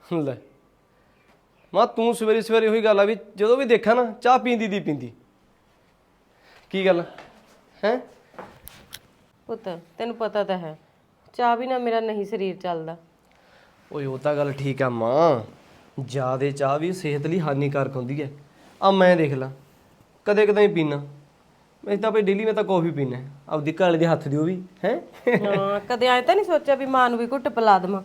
ਲੈ ਮਾਂ ਤੂੰ ਸਵੇਰੇ ਸਵੇਰੇ ਉਹੀ ਗੱਲ ਆ ਵੀ ਜਦੋਂ ਵੀ ਦੇਖਾਂ ਨਾ ਚਾਹ ਪੀਂਦੀ ਦੀ ਪੀਂਦੀ ਕੀ ਗੱਲ ਹੈ। ਪੁੱਤ ਤੈਨੂੰ ਪਤਾ ਤਾਂ ਹੈ ਚਾਹ ਵੀ ਨਾ ਮੇਰਾ ਨਹੀਂ ਸਰੀਰ ਚੱਲਦਾ। ਓਏ ਉਹ ਤਾਂ ਗੱਲ ਠੀਕ ਆ ਮਾਂ, ਜ਼ਿਆਦੇ ਚਾਹ ਵੀ ਸਿਹਤ ਲਈ ਹਾਨੀਕਾਰਕ ਹੁੰਦੀ ਹੈ। ਆ ਮੈਂ ਦੇਖ ਲਾ ਕਦੇ ਕਦੇ ਹੀ ਪੀਣਾ, ਮੈਂ ਤਾਂ ਭਾਈ ਡੇਲੀ ਮੈਂ ਤਾਂ ਕੌਫੀ ਪੀਣਾ ਆਪਦੀ ਘਰ ਵਾਲੇ ਦੇ ਹੱਥ ਦੀ ਉਹ ਵੀ ਹੈ। ਹਾਂ ਕਦੇ ਐ ਤਾਂ ਨਹੀਂ ਸੋਚਿਆ ਵੀ ਮਾਂ ਨੂੰ ਵੀ ਘੁੱਟ ਪਿਲਾ ਦੇਵਾਂ।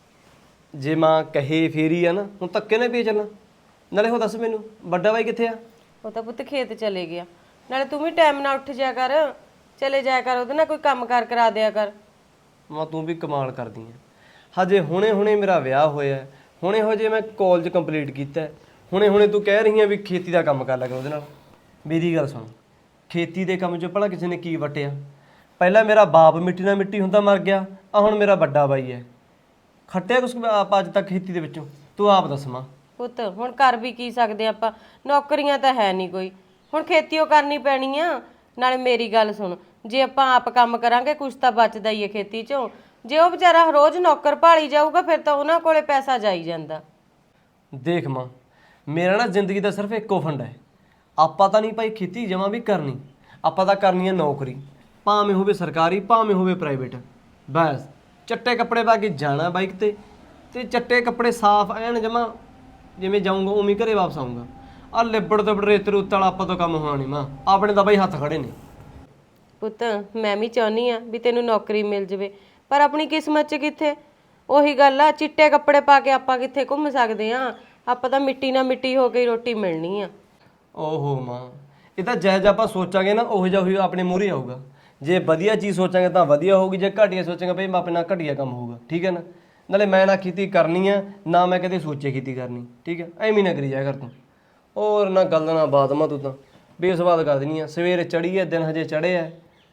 ਜੇ ਮਾਂ ਕਹੇ ਫੇਰੀ ਆ ਨਾ, ਹੁਣ ਧੱਕੇ ਨਾਲ ਪੀ ਚੱਲਾਂ। ਨਾਲੇ ਉਹ ਦੱਸ ਮੈਨੂੰ ਵੱਡਾ ਬਾਈ ਕਿੱਥੇ ਆ? ਉਹ ਤਾਂ ਪੁੱਤ ਖੇਤ ਚਲੇ ਗਿਆ। ਨਾਲੇ ਤੂੰ ਵੀ ਟਾਈਮ ਨਾਲ ਉੱਠ ਜਾਇਆ ਕਰ, ਚਲੇ ਜਾਇਆ ਕਰ, ਉਹਦੇ ਨਾਲ ਕੋਈ ਕੰਮ ਕਾਰ ਕਰਾ ਦਿਆ ਕਰ। ਮਾਂ ਤੂੰ ਵੀ ਕਮਾਲ ਕਰਦੀ ਆ। ਹਜੇ ਹੁਣੇ ਹੁਣੇ ਮੇਰਾ ਵਿਆਹ ਹੋਇਆ, ਹੁਣੇ ਹੋ ਜੇ ਮੈਂ ਕਾਲਜ ਕੰਪਲੀਟ ਕੀਤਾ, ਹੁਣੇ ਹੁਣੇ ਤੂੰ ਕਹਿ ਰਹੀ ਆ ਵੀ ਖੇਤੀ ਦਾ ਕੰਮ ਕਰ ਲਿਆ ਕਰ ਉਹਦੇ ਨਾਲ। ਮੇਰੀ ਗੱਲ ਸੁਣ, ਖੇਤੀ ਦੇ ਕੰਮ 'ਚ ਭਲਾ ਕਿਸੇ ਨੇ ਕੀ ਵਟਿਆ? ਪਹਿਲਾਂ ਮੇਰਾ ਬਾਪ ਮਿੱਟੀ ਨਾਲ ਮਿੱਟੀ ਹੁੰਦਾ ਮਰ ਗਿਆ, ਆ ਹੁਣ ਮੇਰਾ ਵੱਡਾ ਬਾਈ ਹੈ। ਖੱਟਿਆ ਕੁਛ ਆਪ ਅੱਜ ਤੱਕ ਖੇਤੀ ਦੇ ਵਿੱਚੋਂ? ਤੂੰ ਆਪ ਦੱਸ ਮਾਂ। ਪੁੱਤ ਹੁਣ ਕਰ ਵੀ ਕੀ ਸਕਦੇ ਆਪਾਂ, ਨੌਕਰੀਆਂ ਤਾਂ ਹੈ ਨਹੀਂ ਕੋਈ, ਹੁਣ ਖੇਤੀ ਉਹ ਕਰਨੀ ਪੈਣੀ ਆ। ਨਾਲੇ ਮੇਰੀ ਗੱਲ ਸੁਣ, ਜੇ ਆਪਾਂ ਆਪ ਕੰਮ ਕਰਾਂਗੇ ਕੁਛ ਤਾਂ ਬਚਦਾ ਹੀ ਹੈ ਖੇਤੀ 'ਚੋਂ। ਜੇ ਉਹ ਵਿਚਾਰਾ ਰੋਜ਼ ਨੌਕਰ ਭਾਲੀ ਜਾਊਗਾ ਫਿਰ ਤਾਂ ਉਹਨਾਂ ਕੋਲੇ ਪੈਸਾ ਜਾਈ ਜਾਂਦਾ। ਦੇਖ ਮਾਂ, ਮੇਰਾ ਨਾ ਜ਼ਿੰਦਗੀ ਦਾ ਸਿਰਫ ਇੱਕੋ ਫੰਡ ਹੈ, ਆਪਾਂ ਤਾਂ ਨਹੀਂ ਭਾਈ ਖੇਤੀ ਜਮਾਂ ਵੀ ਕਰਨੀ, ਆਪਾਂ ਤਾਂ ਕਰਨੀ ਹੈ ਨੌਕਰੀ, ਭਾਵੇਂ ਹੋਵੇ ਸਰਕਾਰੀ ਭਾਵੇਂ ਹੋਵੇ ਪ੍ਰਾਈਵੇਟ। ਬਸ ਚੱਟੇ ਕੱਪੜੇ ਪਾ ਕੇ ਜਾਣਾ ਬਾਈਕ ਤੇ ਚੱਟੇ ਕੱਪੜੇ ਸਾਫ਼ ਐਨ ਜਮਾਂ, ਜਿਵੇਂ ਜਾਊਂਗਾ ਉਵੇਂ ਘਰੇ ਵਾਪਸ ਆਊਂਗਾ। ਆ ਲਿਬੜ ਤੇ ਰੇਤ ਰੂਤ ਵਾਲਾ ਆਪਾਂ ਤੋਂ ਕੰਮ ਹੋਣਾ ਨਹੀਂ ਮਾਂ, ਆਪਣੇ ਤਾਂ ਬਾਈ ਹੱਥ ਖੜੇ ਨੇ। ਪੁੱਤ ਮੈਂ ਵੀ ਚਾਹੁੰਦੀ ਆ ਵੀ ਤੈਨੂੰ ਨੌਕਰੀ ਮਿਲ ਜਵੇ, ਪਰ ਆਪਣੀ ਕਿਸਮਤ 'ਚ ਕਿੱਥੇ। ਉਹੀ ਗੱਲ ਆ, ਚਿੱਟੇ ਕੱਪੜੇ ਪਾ ਕੇ ਆਪਾਂ ਕਿੱਥੇ ਘੁੰਮ ਸਕਦੇ ਆ? ਆਪਾਂ ਤਾਂ ਮਿੱਟੀ ਨਾਲ ਮਿੱਟੀ ਹੋ ਕੇ ਹੀ ਰੋਟੀ ਮਿਲਣੀ ਆ। ਓਹੋ ਮਾਂ, ਇਹ ਤਾਂ ਜਿਹੋ ਜਿਹਾ ਆਪਾਂ ਸੋਚਾਂਗੇ ਨਾ ਉਹੋ ਜਿਹਾ ਹੀ ਆਪਣੇ ਮੂਹਰੇ ਆਊਗਾ। ਜੇ ਵਧੀਆ ਚੀਜ਼ ਸੋਚਾਂਗੇ ਤਾਂ ਵਧੀਆ ਹੋਊਗੀ, ਜੇ ਘਟੀਆ ਸੋਚਾਂਗੇ ਭਾਈ ਆਪਣੇ ਨਾਲ ਘਟੀਆ ਕੰਮ ਹੋਊਗਾ। ਠੀਕ ਹੈ ਨਾ? ਨਾਲੇ ਮੈਂ ਨਾ ਖੇਤੀ ਕਰਨੀ ਆ ਨਾ ਮੈਂ ਕਦੇ ਸੋਚੇ ਖੇਤੀ ਕਰਨੀ। ਠੀਕ ਹੈ, ਐਵੇਂ ਨਾ ਕਰੀ ਜਾਇਆ ਕਰ ਤੂੰ। ਹੋਰ ਨਾ ਗੱਲ ਨਾ ਬਾਤ ਮਾਂ, ਤੂੰ ਤਾਂ ਬੇਸਵਾਦ ਕਰ ਦੇਣੀ ਆ। ਸਵੇਰ ਚੜੀ ਹੈ, ਦਿਨ ਹਜੇ ਚੜੇ ਹੈ,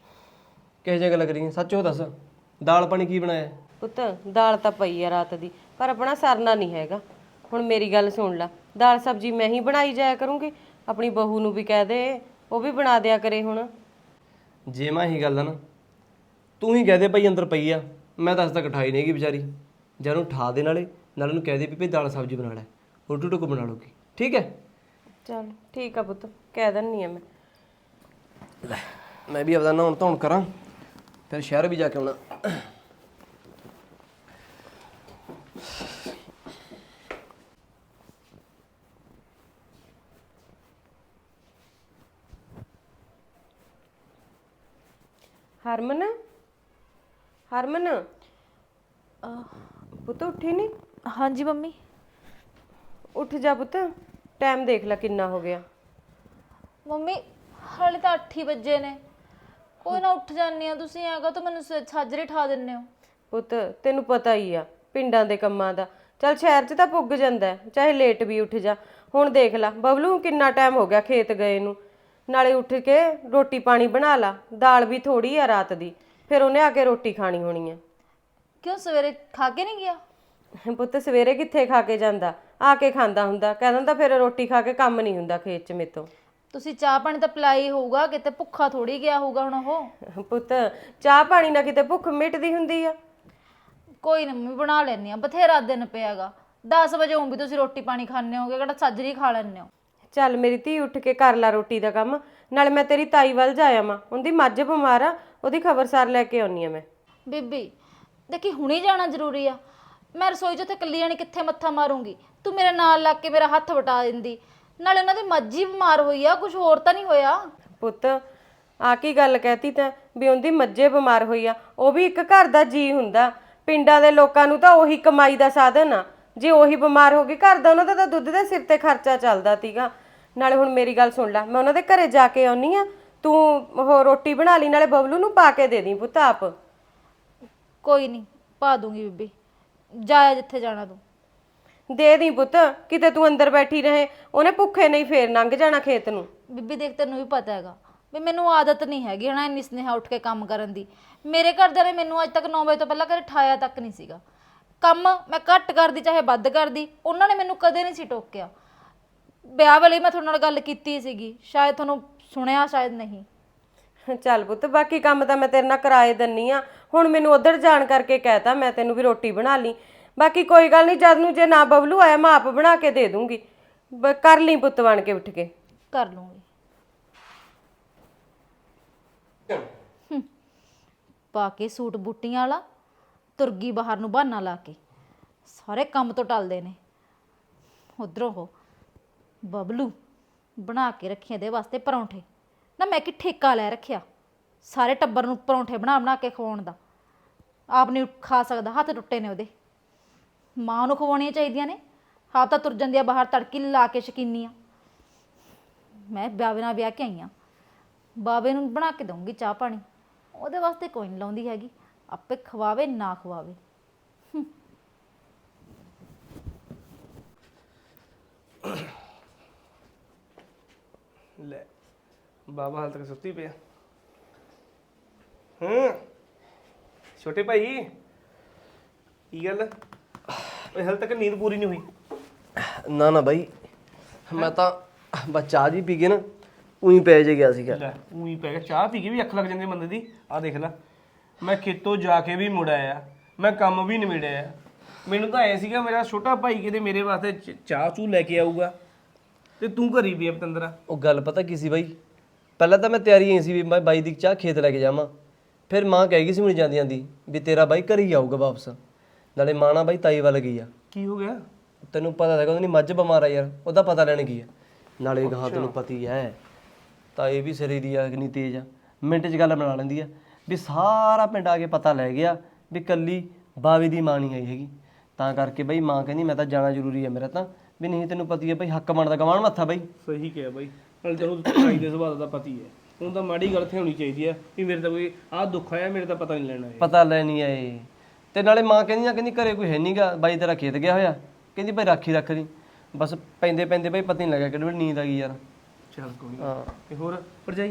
ਕਿਹੋ ਜਿਹੀ ਗੱਲ ਕਰੀ? ਸੱਚ ਉਹ ਦੱਸ, ਦਾਲ ਪਾਣੀ ਕੀ ਬਣਾਇਆ? ਪੁੱਤ ਦਾਲ ਤਾਂ ਪਈ ਆ ਰਾਤ ਦੀ, ਪਰ ਆਪਣਾ ਸਰਨਾ ਨਹੀਂ ਹੈਗਾ। ਹੁਣ ਮੇਰੀ ਗੱਲ ਸੁਣ ਲੈ, ਦਾਲ ਸਬਜ਼ੀ ਮੈਂ ਹੀ ਬਣਾਈ ਜਾਇਆ ਕਰੂੰਗੀ, ਆਪਣੀ ਬਹੂ ਨੂੰ ਵੀ ਕਹਿ ਦੇ ਉਹ ਵੀ ਬਣਾ ਦਿਆ ਕਰੇ। ਹੁਣ ਜੇ ਮੈਂ ਇਹੀ ਗੱਲ ਆ ਨਾ, ਤੂੰ ਹੀ ਕਹਿ ਦੇ ਭਾਈ ਅੰਦਰ ਪਈ ਆ, ਮੈਂ ਤਾਂ ਅੱਜ ਤੱਕ ਉਠਾਈ ਨਹੀਂ ਹੈਗੀ ਵਿਚਾਰੀ। ਜਾਂ ਉਹਨੂੰ ਉਠਾ ਦੇ, ਨਾਲੇ ਉਹਨੂੰ ਕਹਿ ਦੇ ਵੀ ਭਾਈ ਦਾਲ ਸਬਜ਼ੀ ਬਣਾ ਲੈ, ਰੋਟੀ ਟੁੱਕ ਬਣਾ ਲਊਗੀ। ਠੀਕ ਹੈ? ਚੱਲ ਠੀਕ ਆ ਪੁੱਤ, ਕਹਿ ਦਿੰਨੀ ਆ ਮੈਂ। ਲੈ ਮੈਂ ਵੀ ਆਪਦਾ ਨਹਾਉਣ ਧੋਣ ਕਰਾਂ, ਫਿਰ ਸ਼ਹਿਰ ਵੀ ਜਾ ਕੇ ਆਉਣਾ। ਹਰਮਨ, ਹਰਮਨ ਪੁੱਤ ਉੱਠੀ ਨਹੀਂ? ਹਾਂਜੀ ਮੰਮੀ। ਉੱਠ ਜਾ ਪੁੱਤ, ਟਾਈਮ ਦੇਖ ਲੈ ਕਿੰਨਾ ਹੋ ਗਿਆ। ਮੰਮੀ ਹਾਲੇ ਤਾਂ 8 ਹੀ ਵਜੇ ਨੇ। ਕੋਈ ਨਾ ਉੱਠ ਜਾਂਦੀ ਆ, ਤੁਸੀਂ ਆਗਾ ਤਾਂ ਮੈਨੂੰ ਛਾਜਰੇ ਠਾ ਦਿੰਦੇ ਹੋ। ਪੁੱਤ ਤੈਨੂੰ ਪਤਾ ਹੀ ਆ ਪਿੰਡਾਂ ਦੇ ਕੰਮਾਂ ਦਾ, ਚੱਲ ਸ਼ਹਿਰ 'ਚ ਤਾਂ ਪੁੱਗ ਜਾਂਦਾ ਹੈ, ਚਾਹੇ ਲੇਟ ਵੀ ਉੱਠ ਜਾ। ਹੁਣ ਦੇਖ ਲੈ ਬਬਲੂ ਕਿੰਨਾ ਟਾਈਮ ਹੋ ਗਿਆ ਖੇਤ ਗਏ ਨੂੰ, ਨਾਲੇ ਉੱਠ ਕੇ ਰੋਟੀ ਪਾਣੀ ਬਣਾ ਲਾ, ਦਾਲ ਵੀ ਥੋੜੀ ਆ ਰਾਤ ਦੀ, ਫਿਰ ਉਹਨੇ ਆ ਕੇ ਰੋਟੀ ਖਾਣੀ ਹੋਣੀ ਆ। ਕਿਉਂ ਸਵੇਰੇ ਖਾ ਕੇ ਨਹੀਂ ਗਿਆ? ਪੁੱਤ ਸਵੇਰੇ ਕਿੱਥੇ ਖਾ ਕੇ ਜਾਂਦਾ, ਆ ਕੇ ਖਾਂਦਾ ਹੁੰਦਾ, ਕਹਿ ਦਿੰਦਾ ਫਿਰ ਰੋਟੀ ਖਾ ਕੇ ਕੰਮ ਨਹੀਂ ਹੁੰਦਾ ਖੇਤ 'ਚ ਮੇਤੋਂ। ਤੁਸੀਂ ਚਾਹ ਪਾਣੀ ਤਾਂ ਪਿਲਾਈ ਹੋਊਗਾ, ਕਿਤੇ ਭੁੱਖਾ ਥੋੜੀ ਗਿਆ ਹੋਊਗਾ ਹੁਣ ਉਹ। ਪੁੱਤ ਚਾਹ ਪਾਣੀ ਨਾਲ ਕਿਤੇ ਭੁੱਖ ਮਿਟਦੀ ਹੁੰਦੀ ਆ? ਕੋਈ ਨਾ ਮੰਮੀ ਬਣਾ ਲੈਣੀ ਆ, ਬਥੇਰਾ ਦਿਨ ਪਿਆਗਾ। 10 ਵਜੇ ਵੀ ਤੁਸੀਂ ਰੋਟੀ ਪਾਣੀ ਖਾਣੇ ਹੋਗੇ, ਕਿਹੜਾ ਛਾਜਰੀ ਖਾ ਲੈਣੇ ਹੋ? ਚੱਲ ਮੇਰੀ ਧੀ ਉੱਠ ਕੇ ਕਰ ਲਾ ਰੋਟੀ ਦਾ ਕੰਮ, ਨਾਲ ਮੈਂ ਤੇਰੀ ਤਾਈ ਵੱਲ ਜਾਇਆ ਮਾਂ, ਉਹਦੀ ਮੱਝ ਬਿਮਾਰ ਆ, ਉਹਦੀ ਖਬਰਸਾਰ ਲੈ ਕੇ ਆਉਣੀ ਆ ਮੈਂ। ਬੀਬੀ ਦੇਖੀ ਹੁਣੇ ਜਾਣਾ ਜ਼ਰੂਰੀ ਆ? ਮੈਂ ਰਸੋਈ 'ਚ ਉੱਥੇ ਇਕੱਲੀ ਜਾਣੀ ਕਿੱਥੇ ਮੱਥਾ ਮਾਰੂੰਗੀ? ਤੂੰ ਮੇਰੇ ਨਾਲ ਲੱਗ ਕੇ ਮੇਰਾ ਹੱਥ ਵਟਾ ਦਿੰਦੀ। ਨਾਲੇ ਉਹਨਾਂ ਦੀ ਮੱਝ ਹੀ ਬਿਮਾਰ ਹੋਈ ਆ, ਕੁਝ ਹੋਰ ਤਾਂ ਨਹੀਂ ਹੋਇਆ? ਪੁੱਤ ਆ ਕੀ ਗੱਲ ਕਹਿਤੀ ਤੈਂ ਵੀ ਉਹਦੀ ਮੱਝੇ ਬਿਮਾਰ ਹੋਈ ਆ? ਉਹ ਵੀ ਇੱਕ ਘਰ ਦਾ ਜੀ ਹੁੰਦਾ, ਪਿੰਡਾਂ ਦੇ ਲੋਕਾਂ ਨੂੰ ਤਾਂ ਉਹੀ ਕਮਾਈ ਦਾ ਸਾਧਨ ਆ। ਜੇ ਉਹੀ ਬਿਮਾਰ ਹੋ ਗਈ, ਘਰ ਦਾ ਉਹਨਾਂ ਦਾ ਤਾਂ ਦੁੱਧ ਦੇ ਸਿਰ ਤੇ ਖਰਚਾ ਚੱਲਦਾ ਤੀਗਾ। ਨਾਲੇ ਹੁਣ ਮੇਰੀ ਗੱਲ ਸੁਣ ਲੈ, ਮੈਂ ਉਹਨਾਂ ਦੇ ਘਰੇ ਜਾ ਕੇ ਆਉਣੀ ਆ, ਤੂੰ ਉਹ ਰੋਟੀ ਬਣਾ ਲਈ, ਨਾਲੇ ਬਬਲੂ ਨੂੰ ਪਾ ਕੇ ਦੇ ਦੀ ਪੁੱਤ ਆਪ। ਕੋਈ ਨਹੀਂ ਪਾ ਦੂੰਗੀ ਬੀਬੀ, ਜਾਇਆ ਜਿੱਥੇ ਜਾਣਾ ਤੂੰ। ਦੇ ਦੀ ਪੁੱਤ, ਕਿਤੇ ਤੂੰ ਅੰਦਰ ਬੈਠੀ ਰਹੇ, ਉਹਨੇ ਭੁੱਖੇ ਨਹੀਂ ਫੇਰ ਲੰਘ ਜਾਣਾ ਖੇਤ ਨੂੰ। ਬੀਬੀ ਦੇਖ ਤੈਨੂੰ ਵੀ ਪਤਾ ਹੈਗਾ ਵੀ ਮੈਨੂੰ ਆਦਤ ਨਹੀਂ ਹੈਗੀ ਹਨਾ ਇੰਨੀ ਸਨੇਹਾ ਉੱਠ ਕੇ ਕੰਮ ਕਰਨ ਦੀ। ਮੇਰੇ ਘਰਦਿਆਂ ਨੇ ਮੈਨੂੰ ਅੱਜ ਤੱਕ 9 ਵਜੇ ਤੋਂ ਪਹਿਲਾਂ ਘਰੇ ਠਾਇਆ ਤੱਕ ਨਹੀਂ ਸੀਗਾ। ਕੰਮ ਮੈਂ ਘੱਟ ਕਰਦੀ ਚਾਹੇ ਵੱਧ ਕਰਦੀ, ਉਹਨਾਂ ਨੇ ਮੈਨੂੰ ਕਦੇ ਨਹੀਂ ਸੀ ਟੋਕਿਆ। ਵਿਆਹ ਵੇਲੇ ਮੈਂ ਤੁਹਾਡੇ ਨਾਲ ਗੱਲ ਕੀਤੀ ਸੀਗੀ, ਸ਼ਾਇਦ ਤੁਹਾਨੂੰ ਸੁਣਿਆ ਸ਼ਾਇਦ ਨਹੀਂ। ਚੱਲ ਪੁੱਤ ਬਾਕੀ ਕੰਮ ਤਾਂ ਮੈਂ ਤੇਰੇ ਨਾਲ ਕਰਾਏ ਦਿੰਨੀ ਆ, ਹੁਣ ਮੈਨੂੰ ਉਧਰ ਜਾਣ ਕਰਕੇ ਕਹਿਤਾ ਮੈਂ ਤੈਨੂੰ ਵੀ ਰੋਟੀ ਬਣਾ ਲਈ। ਬਾਕੀ ਕੋਈ ਗੱਲ ਨਹੀਂ, ਜਦ ਨੂੰ ਜੇ ਨਾ ਬਬਲੂ ਆਇਆ ਮੈਂ ਆਪ ਬਣਾ ਕੇ ਦੇ ਦੂੰਗੀ। ਕਰ ਲਈ ਪੁੱਤ ਬਣ ਕੇ ਉੱਠ ਕੇ। ਕਰ ਲੂੰਗੀ। ਪਾ ਕੇ ਸੂਟ ਬੂਟੀਆਂ ਵਾਲਾ ਤੁਰਗੀ ਬਾਹਰ ਨੂੰ ਬਹਾਨਾ ਲਾ ਕੇ ਸਾਰੇ ਕੰਮ ਤੋਂ ਟਲਦੇ ਨੇ। ਉਧਰੋਂ ਉਹ ਬਬਲੂ ਬਣਾ ਕੇ ਰੱਖਿਆ ਦੇ ਵਾਸਤੇ ਪਰੌਂਠੇ। ਨਾ ਮੈਂ ਕਿ ਠੇਕਾ ਲੈ ਰੱਖਿਆ ਸਾਰੇ ਟੱਬਰ ਨੂੰ ਪਰੌਂਠੇ ਬਣਾ ਬਣਾ ਕੇ ਖਵਾਉਣ ਦਾ। ਆਪ ਨਹੀਂ ਖਾ ਸਕਦਾ, ਹੱਥ ਟੁੱਟੇ ਨੇ ਉਹਦੇ। ਮਾਂ ਨੂੰ ਖਵਾਉਣੀਆਂ ਚਾਹੀਦੀਆਂ ਨੇ, ਆਪ ਤਾਂ ਤੁਰ ਜਾਂਦੀ ਆ ਬਾਹਰ ਤੜਕੀ ਲਾ ਕੇ ਸ਼ਕੀਨੀ ਆ। ਮੈਂ ਬਾਬੇ ਨਾਲ ਵਿਆਹ ਕੇ ਆਈ ਆ, ਬਾਬੇ ਨੂੰ ਬਣਾ ਕੇ ਦਊਂਗੀ ਚਾਹ ਪਾਣੀ। ਉਹਦੇ ਵਾਸਤੇ ਕੋਈ ਨਹੀਂ ਲਾਉਂਦੀ ਹੈਗੀ, ਆਪੇ ਖਵਾਵੇ ਨਾ ਖਵਾਵੇ। ਲੈ ਬਾਬਾ ਹਾਲ ਤੱਕ ਸੁੱਤੀ ਪਿਆ। ਛੋਟੇ ਭਾਈ ਕੀ ਗੱਲ ਓਏ, ਹਾਲ ਤੱਕ ਨੀਂਦ ਪੂਰੀ ਨਹੀਂ ਹੋਈ? ਨਾ ਨਾ ਬਾਈ, ਮੈਂ ਤਾਂ ਬਸ ਚਾਹ ਜੀ ਪੀ ਕੇ ਨਾ ਉਹੀ ਪੈ ਜੇ ਗਿਆ ਸੀਗਾ। ਲੈ ਉਹੀ ਪੈ ਗਿਆ, ਚਾਹ ਪੀ ਕੇ ਵੀ ਅੱਖ ਲੱਗ ਜਾਂਦੀ ਬੰਦੇ ਦੀ। ਆਹ ਦੇਖ ਲੈ, ਮੈਂ ਖੇਤੋਂ ਜਾ ਕੇ ਵੀ ਮੁੜ ਆਇਆ, ਮੈਂ ਕੰਮ ਵੀ ਨਿਬੇੜਿਆ। ਮੈਨੂੰ ਤਾਂ ਐ ਸੀਗਾ ਮੇਰਾ ਛੋਟਾ ਭਾਈ ਕਿਤੇ ਮੇਰੇ ਵਾਸਤੇ ਚਾਹ ਚੂ ਲੈ ਕੇ ਆਊਗਾ, ਤੇ ਤੂੰ ਘਰੀ ਵੀ ਪਤੰਦਰਾ। ਉਹ ਗੱਲ ਪਤਾ ਕੀ ਸੀ ਬਾਈ, ਪਹਿਲਾਂ ਤਾਂ ਮੈਂ ਤਿਆਰੀ ਐ ਸੀ ਵੀ ਮੈਂ ਬਾਈ ਦੀ ਚਾਹ ਖੇਤ ਲੈ ਕੇ ਜਾਵਾਂ। ਫਿਰ ਮਾਂ ਕਹਿ ਗਈ ਸੀ ਮੈਨੂੰ ਜਾਂਦੀ ਜਾਂਦੀ ਵੀ ਤੇਰਾ ਬਾਈ ਘਰ ਹੀ ਆਊਗਾ ਵਾਪਸ। ਨਾਲੇ ਮਾਂ ਨਾ ਬਾਈ ਤਾਈ ਵੱਲ ਗਈ ਆ। ਕੀ ਹੋ ਗਿਆ? ਤੈਨੂੰ ਪਤਾ ਹੈਗਾ ਉਹਦੀ ਮੱਝ ਬਿਮਾਰ ਆ ਯਾਰ, ਉਹਦਾ ਪਤਾ ਲੈਣ ਗਈ ਆ। ਨਾਲੇ ਗਾਹਾਂ ਤੈਨੂੰ ਪਤੀ ਹੈ ਤਾਂ ਇਹ ਵੀ ਸਿਰੇ ਦੀ ਆ, ਕਿੰਨੀ ਤੇਜ਼ ਆ, ਮਿੰਟ 'ਚ ਗੱਲ ਬਣਾ ਲੈਂਦੀ ਆ। ਵੀ ਸਾਰਾ ਪਿੰਡ ਆ ਕੇ ਪਤਾ ਲੈ ਗਿਆ ਵੀ ਕੱਲੀ ਬਾਵੇ ਦੀ ਮਾਂ ਨਹੀਂ ਆਈ ਹੈਗੀ। ਤਾਂ ਕਰਕੇ ਬਈ ਮਾਂ ਕਹਿੰਦੀ ਮੈਂ ਤਾਂ ਜਾਣਾ ਜ਼ਰੂਰੀ ਹੈ ਮੇਰਾ ਤਾਂ, ਵੀ ਨਹੀਂ ਤੈਨੂੰ ਪਤੀ ਹੈ ਬਈ ਹੱਕ ਬਣਦਾ ਗਵਾਣ ਮੱਥਾ ਬਈ। ਸਹੀ ਕਿਹਾ ਬਾਈ, ਨਾਲੇ ਤੈਨੂੰ ਭਾਈ ਦੇ ਸੁਭਾਅ ਦਾ ਪਤੀ ਹੈ, ਹੁਣ ਤਾਂ ਮਾੜੀ ਗੱਲ ਤੇ ਹੋਣੀ ਚਾਹੀਦੀ ਹੈ ਵੀ ਮੇਰੇ ਤਾਂ ਕੋਈ ਆਹ ਦੁੱਖ ਆਇਆ, ਮੇਰੇ ਤਾਂ ਪਤਾ ਨਹੀਂ ਲੈਣਾ ਹੈ। ਪਤਾ ਲੈਣੀ ਆਏ। ਤੇ ਨਾਲੇ ਮਾਂ ਕਹਿੰਦੀ ਘਰੇ ਕੋਈ ਹੈ ਨਹੀਂਗਾ, ਬਾਈ ਤੇਰਾ ਖੇਤ ਗਿਆ ਹੋਇਆ, ਕਹਿੰਦੀ ਭਾਈ ਰਾਖੀ ਰੱਖ ਦੀ। ਬਸ ਪੈਂਦੇ ਪੈਂਦੇ ਬਈ ਪਤਾ ਨਹੀਂ ਲੱਗਿਆ ਕਿਹੜੀ ਵੇਲੇ ਨੀਂਦ ਆ ਗਈ ਯਾਰ। ਚੱਲ ਕੋਈ ਹਾਂ ਤੇ ਹੋਰ ਭਰਜਾਈ?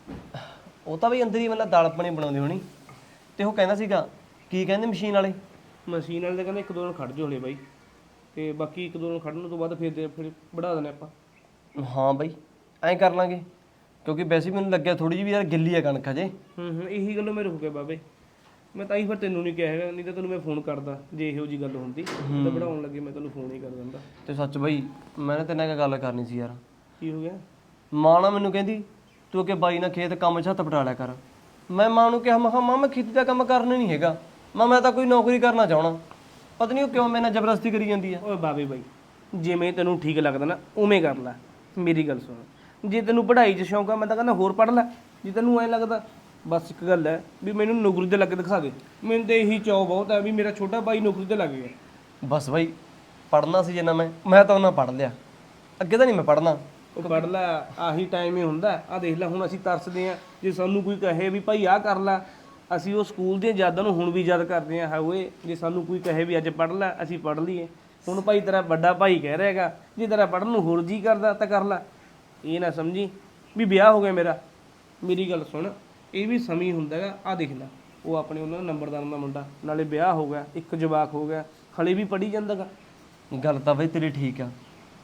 ਉਹ ਤਾਂ ਬਈ ਅੰਦਰ ਹੀ ਮਤਲਬ ਦਾਲ ਪਾਣੀ ਬਣਾਉਂਦੀ ਹੋਣੀ। ਤੇ ਉਹ ਕਹਿੰਦਾ ਸੀਗਾ ਕੀ ਕਹਿੰਦੇ ਮਸ਼ੀਨ ਵਾਲੇ? ਮਸ਼ੀਨ ਵਾਲੇ ਤਾਂ ਕਹਿੰਦੇ ਇੱਕ ਦੋ ਦਿਨ ਖੜ ਜਾਓ ਹਲੇ ਬਾਈ, ਤੇ ਬਾਕੀ ਇੱਕ ਦੋ ਦਿਨ ਖੜਨ ਤੋਂ ਬਾਅਦ ਫਿਰ ਵਧਾ ਦੇਣਾ ਆਪਾਂ। ਹਾਂ ਬਈ ਐਂ ਕਰ ਲਾਂਗੇ, ਕਿਉਂਕਿ ਵੈਸੇ ਮੈਨੂੰ ਲੱਗਿਆ ਥੋੜੀ ਜਿਹੀ ਵੀ ਯਾਰ ਗਿੱਲੀ ਆ ਕਣਕ ਹਜੇ। ਇਹੀ ਗੱਲੋਂ ਮੈਂ ਰੁਕ ਗਿਆ ਬਾਬੇ। ਮੈਂ ਤਾਂ ਹੀ ਫਿਰ ਤੈਨੂੰ ਨਹੀਂ ਕਿਹਾ ਹੈਗਾ, ਨਹੀਂ ਤਾਂ ਤੈਨੂੰ ਮੈਂ ਫੋਨ ਕਰਦਾ ਜੇ ਇਹੋ ਜੀ ਗੱਲ ਹੁੰਦੀ। ਤਾਂ ਬਣਾਉਣ ਲੱਗੇ ਮੈਂ ਤੈਨੂੰ ਫੋਨ ਹੀ ਕਰ ਦਿੰਦਾ। ਤੇ ਸੱਚ ਬਈ ਮੈਂ ਨਾ ਤੇਰੇ ਨਾਲ ਇੱਕ ਗੱਲ ਕਰਨੀ ਸੀ ਯਾਰ। ਕੀ ਹੋ ਗਿਆ? ਮਾਂ ਨਾ ਮੈਨੂੰ ਕਹਿੰਦੀ ਤੂੰ ਅੱਗੇ ਬਾਈ ਨਾਲ ਖੇਤ ਕੰਮ 'ਚ ਹੱਥ ਪਟਾ ਲਿਆ ਕਰ। ਮੈਂ ਮਾਂ ਨੂੰ ਕਿਹਾ, ਮੈਂ ਕਿਹਾ ਮਾਂ ਮੈਂ ਖੇਤੀ ਦਾ ਕੰਮ ਕਰਨਾ ਨਹੀਂ ਹੈਗਾ, ਮੈਂ ਤਾਂ ਕੋਈ ਨੌਕਰੀ ਕਰਨਾ ਚਾਹਣਾ। ਪਤਾ ਨਹੀਂ ਉਹ ਕਿਉਂ ਮੇਰੇ ਨਾਲ ਜ਼ਬਰਦਸਤੀ ਕਰੀ ਜਾਂਦੀ ਆ। ਓਏ ਬਾਬੇ ਬਾਈ, ਜਿਵੇਂ ਤੈਨੂੰ ਠੀਕ ਲੱਗਦਾ ਨਾ ਉਵੇਂ ਕਰ ਲੈ। ਮੇਰੀ ਗੱਲ ਸੁਣ, ਜੇ ਤੈਨੂੰ ਪੜ੍ਹਾਈ 'ਚ ਸ਼ੌਂਕ ਆ ਮੈਂ ਤਾਂ ਕਹਿੰਦਾ ਹੋਰ ਪੜ੍ਹ ਲੈ। ਜੇ ਤੈਨੂੰ ਐਂ ਲੱਗਦਾ, ਬਸ ਇੱਕ ਗੱਲ ਹੈ ਵੀ ਮੈਨੂੰ ਨੌਕਰੀ ਤੇ ਲੱਗ ਕੇ ਦਿਖਾ ਦੇ। ਮੈਨੂੰ ਤਾਂ ਇਹੀ ਚਾਅ ਬਹੁਤ ਹੈ ਵੀ ਮੇਰਾ ਛੋਟਾ ਭਾਈ ਨੌਕਰੀ ਤੇ ਲੱਗ ਗਿਆ। ਬਸ ਬਈ ਪੜ੍ਹਨਾ ਸੀ ਜਿੰਨਾ ਮੈਂ ਤਾਂ ਉਹਨਾਂ ਪੜ੍ਹ ਲਿਆ, ਅੱਗੇ ਤਾਂ ਨਹੀਂ ਮੈਂ ਪੜ੍ਹਨਾ। ਉਹ ਪੜ੍ਹ ਲੈ, ਆਹੀ ਟਾਈਮ ਹੀ ਹੁੰਦਾ। ਆਹ ਦੇਖ ਲੈ ਹੁਣ ਅਸੀਂ ਤਰਸਦੇ ਹਾਂ ਜੇ ਸਾਨੂੰ ਕੋਈ ਕਹੇ ਵੀ ਭਾਈ ਆਹ ਕਰ ਲੈ। ਅਸੀਂ ਉਹ ਸਕੂਲ ਦੀਆਂ ਯਾਦਾਂ ਨੂੰ ਹੁਣ ਵੀ ਯਾਦ ਕਰਦੇ ਹਾਂ। ਓਏ ਜੇ ਸਾਨੂੰ ਕੋਈ ਕਹੇ ਵੀ ਅੱਜ ਪੜ੍ਹ ਲੈ, ਅਸੀਂ ਪੜ੍ਹ ਲਈਏ। ਹੁਣ ਭਾਈ ਤੇਰਾ ਵੱਡਾ ਭਾਈ ਕਹਿ ਰਿਹਾ ਹੈਗਾ ਜੇ ਤੇਰਾ ਪੜ੍ਹਨ ਨੂੰ ਹੋਰ ਜੀ ਕਰਦਾ ਤਾਂ ਕਰ ਲੈ। ਇਹ ਨਾ ਸਮਝੀ ਵੀ ਵਿਆਹ ਹੋ ਗਿਆ ਮੇਰਾ। ਮੇਰੀ ਗੱਲ ਸੁਣ, ਇਹ ਵੀ ਸਮੀ ਹੁੰਦਾ ਹੈਗਾ। ਆਹ ਦੇਖ ਲੈ, ਉਹ ਆਪਣੇ ਉਹਨਾਂ ਦਾ ਨੰਬਰਦਾਰ ਦਾ ਮੁੰਡਾ, ਨਾਲੇ ਵਿਆਹ ਹੋ ਗਿਆ, ਇੱਕ ਜਵਾਕ ਹੋ ਗਿਆ, ਹਲੇ ਵੀ ਪੜ੍ਹੀ ਜਾਂਦਾ ਗਾ। ਗੱਲ ਤਾਂ ਬਈ ਤੇਰੀ ਠੀਕ ਆ,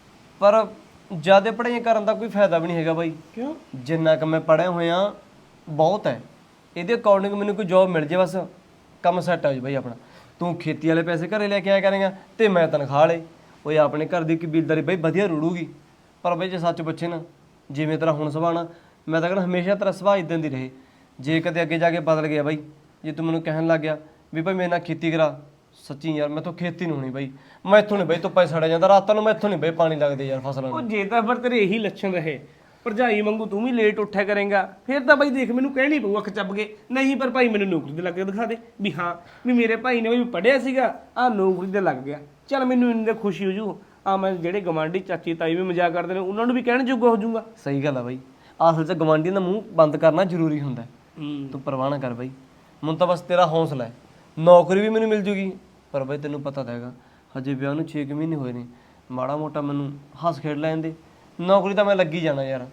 ਪਰ ਜ਼ਿਆਦਾ ਪੜ੍ਹਾਈ ਕਰਨ ਦਾ ਕੋਈ ਫਾਇਦਾ ਵੀ ਨਹੀਂ ਹੈਗਾ ਬਾਈ। ਕਿਉਂ? ਜਿੰਨਾ ਕੁ ਮੈਂ ਪੜ੍ਹਿਆ ਹੋਇਆ ਬਹੁਤ ਹੈ। ਇਹਦੇ ਅਕੋਰਡਿੰਗ ਮੈਨੂੰ ਕੋਈ ਜੌਬ ਮਿਲ ਜੇ ਬਸ ਕੰਮ ਸੈੱਟ ਆ ਜਾ ਬਾਈ ਆਪਣਾ। ਤੂੰ ਖੇਤੀ ਵਾਲੇ ਪੈਸੇ ਘਰੇ ਲੈ ਕੇ ਆਇਆ ਕਰੇਗਾ ਤੇ ਮੈਂ ਤਨਖਾਹ ਵਾਲੇ। ਓਏ ਆਪਣੇ ਘਰ ਦੀ ਕਬੀਲਦਾਰੀ ਬਾਈ ਵਧੀਆ ਰੁੜੂਗੀ। ਪਰ ਬਾਈ ਜੇ ਸੱਚ ਪੁੱਛੇ ਨਾ, ਜਿਵੇਂ ਤੇਰਾ ਹੁਣ ਸੁਭਾਅ ਨਾ, ਮੈਂ ਤਾਂ ਕਹਿੰਦਾ ਹਮੇਸ਼ਾ ਤੇਰਾ ਸੁਭਾਅ ਇਦਾਂ ਦੀ ਰਹੇ। ਜੇ ਕਦੇ ਅੱਗੇ ਜਾ ਕੇ ਬਦਲ ਗਿਆ ਬਾਈ, ਜੇ ਤੂੰ ਮੈਨੂੰ ਕਹਿਣ ਲੱਗ ਗਿਆ ਵੀ ਭਾਈ ਮੇਰੇ ਨਾਲ ਖੇਤੀ ਕਰਾ, ਸੱਚੀ ਯਾਰ ਮੈਥੋਂ ਖੇਤੀ ਨਹੀਂ ਹੋਣੀ ਬਾਈ। ਮੈਥੋਂ ਨਹੀਂ ਬਾਈ ਧੁੱਪੇ ਸੜਿਆ ਜਾਂਦਾ ਰਾਤਾਂ ਨੂੰ, ਮੈਥੋਂ ਨਹੀਂ ਬਾਈ ਪਾਣੀ ਲੱਗਦੇ ਯਾਰ ਫਸਲਾਂ ਉਹ ਨੂੰ। ਜੇ ਤਾਂ ਫਿਰ ਤੇਰੇ ਇਹੀ ਲੱਛਣ ਰਹੇ, ਭਰਜਾਈ ਵਾਂਗੂ ਤੂੰ ਵੀ ਲੇਟ ਉੱਠਿਆ ਕਰੇਗਾ, ਫਿਰ ਤਾਂ ਬਾਈ ਦੇਖ ਮੈਨੂੰ ਕਹਿਣੀ ਪਊ ਅੱਖ ਚੱਬ ਕੇ। ਨਹੀਂ ਪਰ ਭਾਈ ਮੈਨੂੰ ਨੌਕਰੀ ਤੇ ਲੱਗ ਕੇ ਦਿਖਾ ਦੇ ਵੀ ਹਾਂ ਵੀ ਮੇਰੇ ਭਾਈ ਨੇ ਵੀ ਪੜ੍ਹਿਆ ਸੀਗਾ, ਆਹ ਨੌਕਰੀ ਤੇ ਲੱਗ ਗਿਆ। ਚੱਲ ਮੈਨੂੰ ਇੰਨੀ ਤਾਂ ਖੁਸ਼ੀ ਹੋ ਜੂ। ਆ ਮੈਂ ਜਿਹੜੇ ਗਵਾਂਢੀ ਚਾਚੀ ਤਾਈ ਵੀ ਮਜ਼ਾਕ ਕਰਦੇ ਨੇ ਉਹਨਾਂ ਨੂੰ ਵੀ ਕਹਿਣ ਜੋਗਾ ਹੋ ਜਾਊਗਾ। ਸਹੀ ਗੱਲ ਆ ਬਾਈ, ਅਸਲ 'ਚ ਗਵਾਂਢੀਆਂ ਦਾ ਮੂੰਹ ਬੰਦ ਕਰਨਾ ਜ਼ਰੂਰੀ ਹੁੰਦਾ। ਤੂੰ ਪਰਵਾਹ ਨਾ ਕਰ ਬਾਈ, ਮੈਨੂੰ ਤਾਂ ਬਸ ਤੇਰਾ ਹੌਸਲਾ ਹੈ। ਨੌਕਰੀ ਵੀ ਮੈਨੂੰ ਮਿਲ ਜੂਗੀ, ਪਰ ਬਾਈ ਤੈਨੂੰ ਪਤਾ ਤਾਂ ਹੈਗਾ ਹਜੇ ਵਿਆਹ ਨੂੰ 6 ਮਹੀਨੇ ਹੋਏ ਨੇ। ਮਾੜਾ ਮੋਟਾ ਮੈਨੂੰ ਹੱਸ ਖੇਡ ਲੈਣ ਦੇ, ਨੌਕਰੀ ਤਾਂ ਮੈਂ ਲੱਗੀ ਜਾਣਾ ਯਾਰ।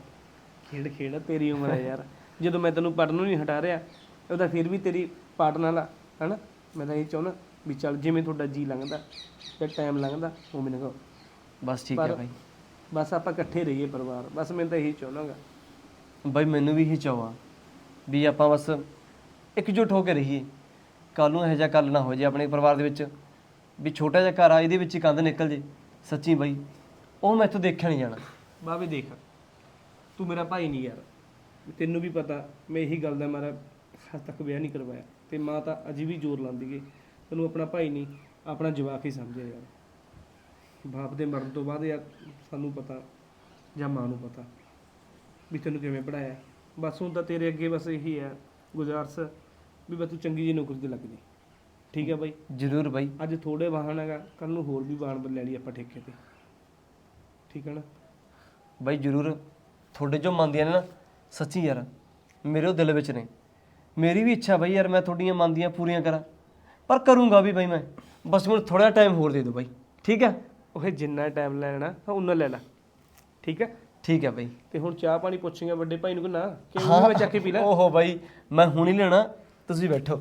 ਖੇਡ ਤੇਰੀ ਉਮਰ ਹੈ ਯਾਰ। ਜਦੋਂ ਮੈਂ ਤੈਨੂੰ ਪੜ੍ਹਨ ਨੂੰ ਨਹੀਂ ਹਟਾ ਰਿਹਾ, ਉਹਦਾ ਫਿਰ ਵੀ ਤੇਰੀ ਪਾਰਟਨਰ ਆ ਹਨਾ। ਮੈਂ ਤਾਂ ਇਹ ਚਾਹੁੰਦਾ ਵੀ ਚੱਲ ਜਿਵੇਂ ਤੁਹਾਡਾ ਜੀ ਲੰਘਦਾ ਤੇ ਟਾਈਮ ਲੰਘਦਾ ਉਵੇਂ ਲੰਘਾਓ। ਬਸ ਠੀਕ ਹੈ ਬਾਈ, ਬਸ ਆਪਾਂ ਇਕੱਠੇ ਰਹੀਏ ਪਰਿਵਾਰ। ਬਸ ਮੈਂ ਤਾਂ ਇਹੀ ਚਾਹੁੰਦਾਗਾ ਬਾਈ। ਮੈਨੂੰ ਵੀ ਇਹੀ ਚਾਹਵਾ ਵੀ ਆਪਾਂ ਬਸ ਇਕਜੁੱਟ ਹੋ ਕੇ ਰਹੀਏ। ਕੱਲ ਨੂੰ ਇਹੋ ਜਿਹਾ ਕੱਲ ਨਾ ਹੋ ਜੇ ਆਪਣੇ ਪਰਿਵਾਰ ਦੇ ਵਿੱਚ ਵੀ ਛੋਟਾ ਜਿਹਾ ਘਰ ਆ ਇਹਦੇ ਵਿੱਚ ਹੀ ਕੰਧ ਨਿਕਲ ਜੇ ਸੱਚੀ ਬਾਈ ਉਹ ਮੈਂ ਇੱਥੋਂ ਦੇਖਿਆ ਨਹੀਂ ਜਾਣਾ। ਬਾਵੇ ਦੇਖ, ਤੂੰ ਮੇਰਾ ਭਾਈ ਨਹੀਂ ਯਾਰ, ਤੈਨੂੰ ਵੀ ਪਤਾ ਮੈਂ ਇਹੀ ਗੱਲ ਦਾ ਮਾਰਾ ਹੱਦ ਤੱਕ ਵਿਆਹ ਨਹੀਂ ਕਰਵਾਇਆ, ਤੇ ਮਾਂ ਤਾਂ ਅਜੇ ਵੀ ਜ਼ੋਰ ਲਾਉਂਦੀ ਏ। ਤੈਨੂੰ ਆਪਣਾ ਭਾਈ ਨਹੀਂ ਆਪਣਾ ਜਵਾਕ ਹੀ ਸਮਝਿਆ ਯਾਰ। ਬਾਪ ਦੇ ਮਰਨ ਤੋਂ ਬਾਅਦ ਯਾਰ ਸਾਨੂੰ ਪਤਾ ਜਾਂ ਮਾਂ ਨੂੰ ਪਤਾ ਵੀ ਤੈਨੂੰ ਕਿਵੇਂ ਪੜਾਇਆ। ਬਸ ਹੁਣ ਤਾਂ ਤੇਰੇ ਅੱਗੇ ਬਸ ਇਹੀ ਹੈ ਗੁਜ਼ਾਰਿਸ਼ ਵੀ ਬਸ ਤੂੰ ਚੰਗੀ ਜਿਹੀ ਨੌਕਰੀ ਤੇ ਲੱਗ ਜੀ। ਠੀਕ ਹੈ ਬਾਈ? ਜ਼ਰੂਰ ਬਾਈ। ਅੱਜ ਥੋੜੇ ਵਾਹਨ ਹੈਗਾ, ਕੱਲ ਨੂੰ ਹੋਰ ਵੀ ਵਾਹਨ ਲੈ ਲਈ ਆਪਾਂ ਠੇਕੇ ਤੇ। ਠੀਕ ਹੈ ਨਾ ਬਾਈ ਜ਼ਰੂਰ, ਤੁਹਾਡੇ ਜੋ ਮੰਨਦੀਆਂ ਨੇ ਨਾ ਸੱਚੀ ਯਾਰ ਮੇਰੇ ਉਹ ਦਿਲ ਵਿੱਚ ਨੇ। ਮੇਰੀ ਵੀ ਇੱਛਾ ਬਾਈ ਯਾਰ ਮੈਂ ਤੁਹਾਡੀਆਂ ਮੰਨਦੀਆਂ ਪੂਰੀਆਂ ਕਰਾਂ, ਪਰ ਕਰੂੰਗਾ ਵੀ ਬਾਈ ਮੈਂ। ਬਸ ਮੈਨੂੰ ਥੋੜਾ ਟਾਈਮ ਹੋਰ ਦੇ ਦਿਓ ਬਾਈ, ਠੀਕ ਹੈ? ਉਹ ਜਿੰਨਾ ਟਾਈਮ ਲੈਣਾ ਉਹਨਾਂ ਲੈ ਲੈ। ਠੀਕ ਹੈ? ਠੀਕ ਹੈ ਬਾਈ। ਤੇ ਹੁਣ ਚਾਹ ਪਾਣੀ ਪੁੱਛੇਗਾ ਵੱਡੇ ਭਾਈ ਨੂੰ ਕਿ ਨਾ ਕਿ ਉਹ ਮੈਂ ਚੱਕ ਕੇ ਪੀ ਲੈ? ਓਹੋ ਬਾਈ ਮੈਂ ਹੁਣ ਹੀ ਲੈਣਾ, ਤੁਸੀਂ ਬੈਠੋ।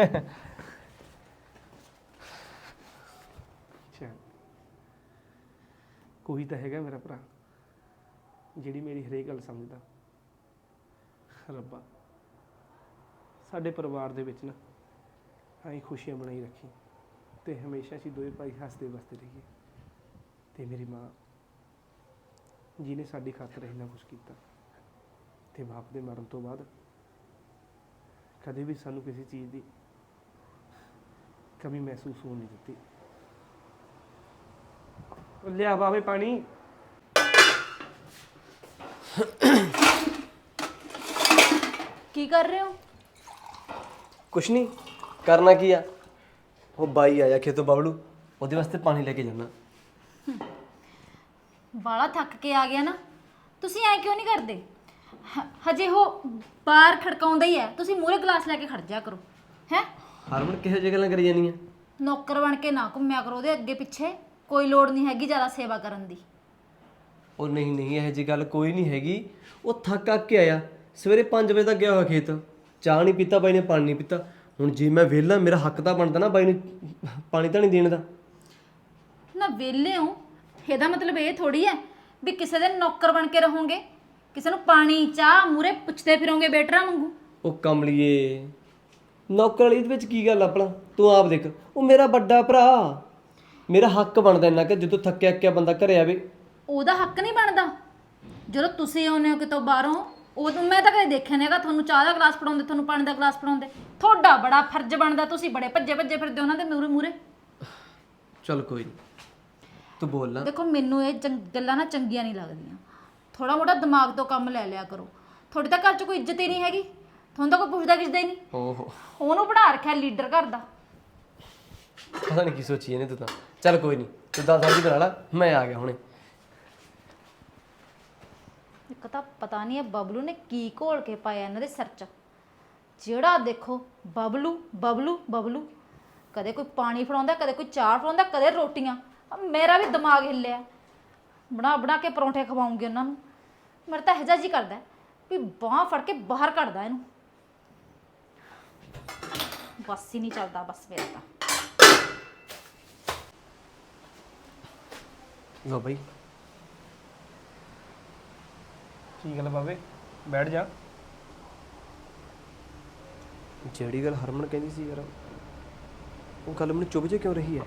ਅੱਛਾ, ਕੋਈ ਤਾਂ ਹੈਗਾ ਮੇਰਾ ਭਰਾ ਜਿਹੜੀ ਮੇਰੀ ਹਰੇਕ ਗੱਲ ਸਮਝਦਾ। ਰੱਬਾ ਸਾਡੇ ਪਰਿਵਾਰ ਦੇ ਵਿੱਚ ਨਾ ਆਈ ਖੁਸ਼ੀਆਂ ਬਣਾਈ ਰੱਖੀ, ਤੇ ਹਮੇਸ਼ਾ ਅਸੀਂ ਦੋਵੇਂ ਭਾਈ ਹੱਸਦੇ ਵਸਦੇ ਰਹੀਏ। ਤੇ ਮੇਰੀ ਮਾਂ ਜਿਹਨੇ ਸਾਡੀ ਖਾਤਰ ਇੰਨਾ ਕੁਛ ਕੀਤਾ, ਤੇ ਬਾਪ ਦੇ ਮਰਨ ਤੋਂ ਬਾਅਦ ਕਦੇ ਵੀ ਸਾਨੂੰ ਕਿਸੇ ਚੀਜ਼ ਦੀ ਕਮੀ ਮਹਿਸੂਸ ਹੋਣ ਨਹੀਂ ਦਿੱਤੀ। ਲਿਆ ਬਾਵੇ ਪਾਣੀ। ਕੀ ਕਰ ਰਹੇ ਹੋ? ਕੁਛ ਨਹੀਂ ਕਰਨਾ ਕੀ ਆ, ਉਹ ਬਾਈ ਆਇਆ ਖੇਤੋਂ ਬਬਲੂ, ਉਹਦੇ ਵਾਸਤੇ ਪਾਣੀ ਲੈ ਕੇ ਜਾਣਾ। ਬਾਲਾ ਥੱਕ ਕੇ ਆ ਗਿਆ ਨਾ, ਤੁਸੀਂ ਐ ਕਿਉਂ ਨਹੀਂ ਕਰਦੇ? ਹਜੇ ਉਹ ਬਾਹਰ ਖੜਕਾਉਂਦਾ ਹੀ ਹੈ, ਤੁਸੀਂ ਮੂਹਰੇ ਗਲਾਸ ਲੈ ਕੇ ਖੜ ਜਾ ਕਰੋ। ਹੈ ਹਰਮਨ ਕਿਹੋ ਜਿਹੀ ਗੱਲਾਂ ਕਰੀ ਜਾਂਦੀਆਂ? ਨੌਕਰ ਬਣ ਕੇ ਨਾ ਘੁੰਮਿਆ ਕਰੋ ਉਹਦੇ ਅੱਗੇ ਪਿੱਛੇ, ਕੋਈ ਲੋੜ ਨਹੀਂ ਹੈਗੀ ਜ਼ਿਆਦਾ ਸੇਵਾ ਕਰਨ ਦੀ। ਉਹ ਨਹੀਂ ਨਹੀਂ ਇਹੋ ਜਿਹੀ ਗੱਲ ਕੋਈ ਨਹੀਂ ਹੈਗੀ। ਉਹ ਥੱਕ ਆ ਕੇ ਆਇਆ, ਸਵੇਰੇ 5 ਵਜੇ ਤੱਕ ਗਿਆ ਹੋਇਆ ਖੇਤ, ਚਾਹ ਨਹੀਂ ਪੀਤਾ ਬਾਈ ਨੇ, ਪਾਣੀ ਨਹੀਂ ਪੀਤਾ। ਹੁਣ ਜੇ ਮੈਂ ਵਿਹਲਾ, ਮੇਰਾ ਹੱਕ ਤਾਂ ਬਣਦਾ ਨਾ ਬਾਈ ਨੂੰ ਪਾਣੀ ਤਾਂ ਨਹੀਂ ਦੇਣ ਦਾ। ਨਾ ਵਿਹਲੇ ਹੋ, ਇਹਦਾ ਮਤਲਬ ਇਹ ਥੋੜੀ ਹੈ ਵੀ ਕਿਸੇ ਦੇ ਨੌਕਰ ਬਣ ਕੇ ਰਹੋਗੇ, ਕਿਸੇ ਨੂੰ ਪਾਣੀ ਚਾਹ ਮੂਹਰੇ ਪੁੱਛਦੇ ਫਿਰੋਗੇ ਬੇਟਰਾ ਵਾਂਗੂ। ਉਹ ਕਮਲੀਏ ਨੌਕਰ ਵਾਲੀ ਦੇ ਵਿੱਚ ਕੀ ਗੱਲ ਆਪਣਾ, ਤੂੰ ਆਪ ਦੇਖ। ਉਹ ਮੇਰਾ ਵੱਡਾ ਭਰਾ, ਮੇਰਾ ਹੱਕ ਬਣਦਾ ਇੰਨਾ ਕਿ ਜਦੋਂ ਥੱਕਿਆ ਅੱਕਿਆ ਬੰਦਾ ਘਰੇ ਆਵੇ। ਉਹਦਾ ਹੱਕ ਨਹੀਂ ਬਣਦਾ ਜਦੋਂ ਤੁਸੀਂ ਆਉਂਦੇ ਹੋ ਕਿਤੋਂ ਬਾਹਰੋਂ? ਉਦੋਂ ਮੈਂ ਤਾਂ ਕਦੇ ਦੇਖਿਆ ਨਹੀਂ ਹੈਗਾ ਤੁਹਾਨੂੰ ਚਾਹ ਦਾ ਗਲਾਸ ਫੜਾਉਂਦੇ, ਤੁਹਾਨੂੰ ਪਾਣੀ ਦਾ ਗਲਾਸ ਫੜਾਉਂਦੇ। ਤੁਹਾਡਾ ਬੜਾ ਫਰਜ਼ ਬਣਦਾ, ਤੁਸੀਂ ਬੜੇ ਭੱਜੇ ਭੱਜੇ ਫਿਰਦੇ ਉਹਨਾਂ ਦੇ ਮੂਹਰੇ ਮੂਹਰੇ। ਚੱਲ ਕੋਈ ਨਹੀਂ, ਤੂੰ ਬੋਲ ਨਾ। ਦੇਖੋ ਮੈਨੂੰ ਇਹ ਗੱਲਾਂ ਨਾ ਚੰਗੀਆਂ ਨਹੀਂ ਲੱਗਦੀਆਂ। ਥੋੜਾ ਮੋਟਾ ਦਿਮਾਗ ਤੋਂ ਕੰਮ ਲੈ ਲਿਆ ਕਰੋ। ਤੁਹਾਡੇ ਤਾਂ ਘਰ 'ਚ ਕੋਈ ਇੱਜ਼ਤ ਹੀ ਨਹੀਂ ਹੈਗੀ, ਤੁਹਾਨੂੰ ਤਾਂ ਕੋਈ ਪੁੱਛਦਾ ਕਿਸਦਾ ਹੀ ਨਹੀਂ। ਓਹੋ ਉਹਨੂੰ ਬਣਾ ਰੱਖਿਆ ਲੀਡਰ ਘਰ ਦਾ। ਪਤਾ ਨਹੀਂ ਕੀ ਸੋਚੀ ਇਹਨੇ ਤੂੰ ਤਾਂ। ਚੱਲ ਕੋਈ ਨਹੀਂ, ਤੂੰ ਦਾਲ ਸਬਜ਼ੀ ਬਣਾ ਲੈ, ਮੈਂ ਆ ਗਿਆ ਹੁਣੇ। ਇੱਕ ਤਾਂ ਪਤਾ ਨਹੀਂ ਇਹ ਬਬਲੂ ਨੇ ਕੀ ਘੋਲ ਕੇ ਪਾਇਆ ਇਹਨਾਂ ਦੇ ਸਿਰ 'ਚ। ਜਿਹੜਾ ਦੇਖੋ ਬਬਲੂ ਬਬਲੂ ਬਬਲੂ, ਕਦੇ ਕੋਈ ਪਾਣੀ ਫੜਾਉਂਦਾ, ਕਦੇ ਕੋਈ ਚਾਹ ਫੜਾਉਂਦਾ, ਕਦੇ ਰੋਟੀਆਂ। ਮੇਰਾ ਵੀ ਦਿਮਾਗ ਹਿੱਲਿਆ, ਬਣਾ ਬਣਾ ਕੇ ਪਰੌਂਠੇ ਖਵਾਉਂਗੀ ਉਹਨਾਂ ਨੂੰ। ਮੇਰਾ ਤਾਂ ਇਹੋ ਜੀ ਕਰਦਾ ਵੀ ਬਾਂਹ ਫੜ ਕੇ ਬਾਹਰ ਕੱਢਦਾ ਇਹਨੂੰ। ਬਸ ਹੀ ਨਹੀਂ ਚੱਲਦਾ ਬਸ ਮੇਰਾ ਤਾਂ। ਲੋ ਬਈ ਕੀ ਗੱਲ ਬਾਵੇ, ਬੈਠ ਜਾ। ਜਿਹੜੀ ਗੱਲ ਹਰਮਨ ਕਹਿੰਦੀ ਸੀ ਯਾਰ, ਉਹ ਗੱਲ ਮੈਨੂੰ ਚੁੱਭ ਜੇ ਕਿਉਂ ਰਹੀ ਹੈ?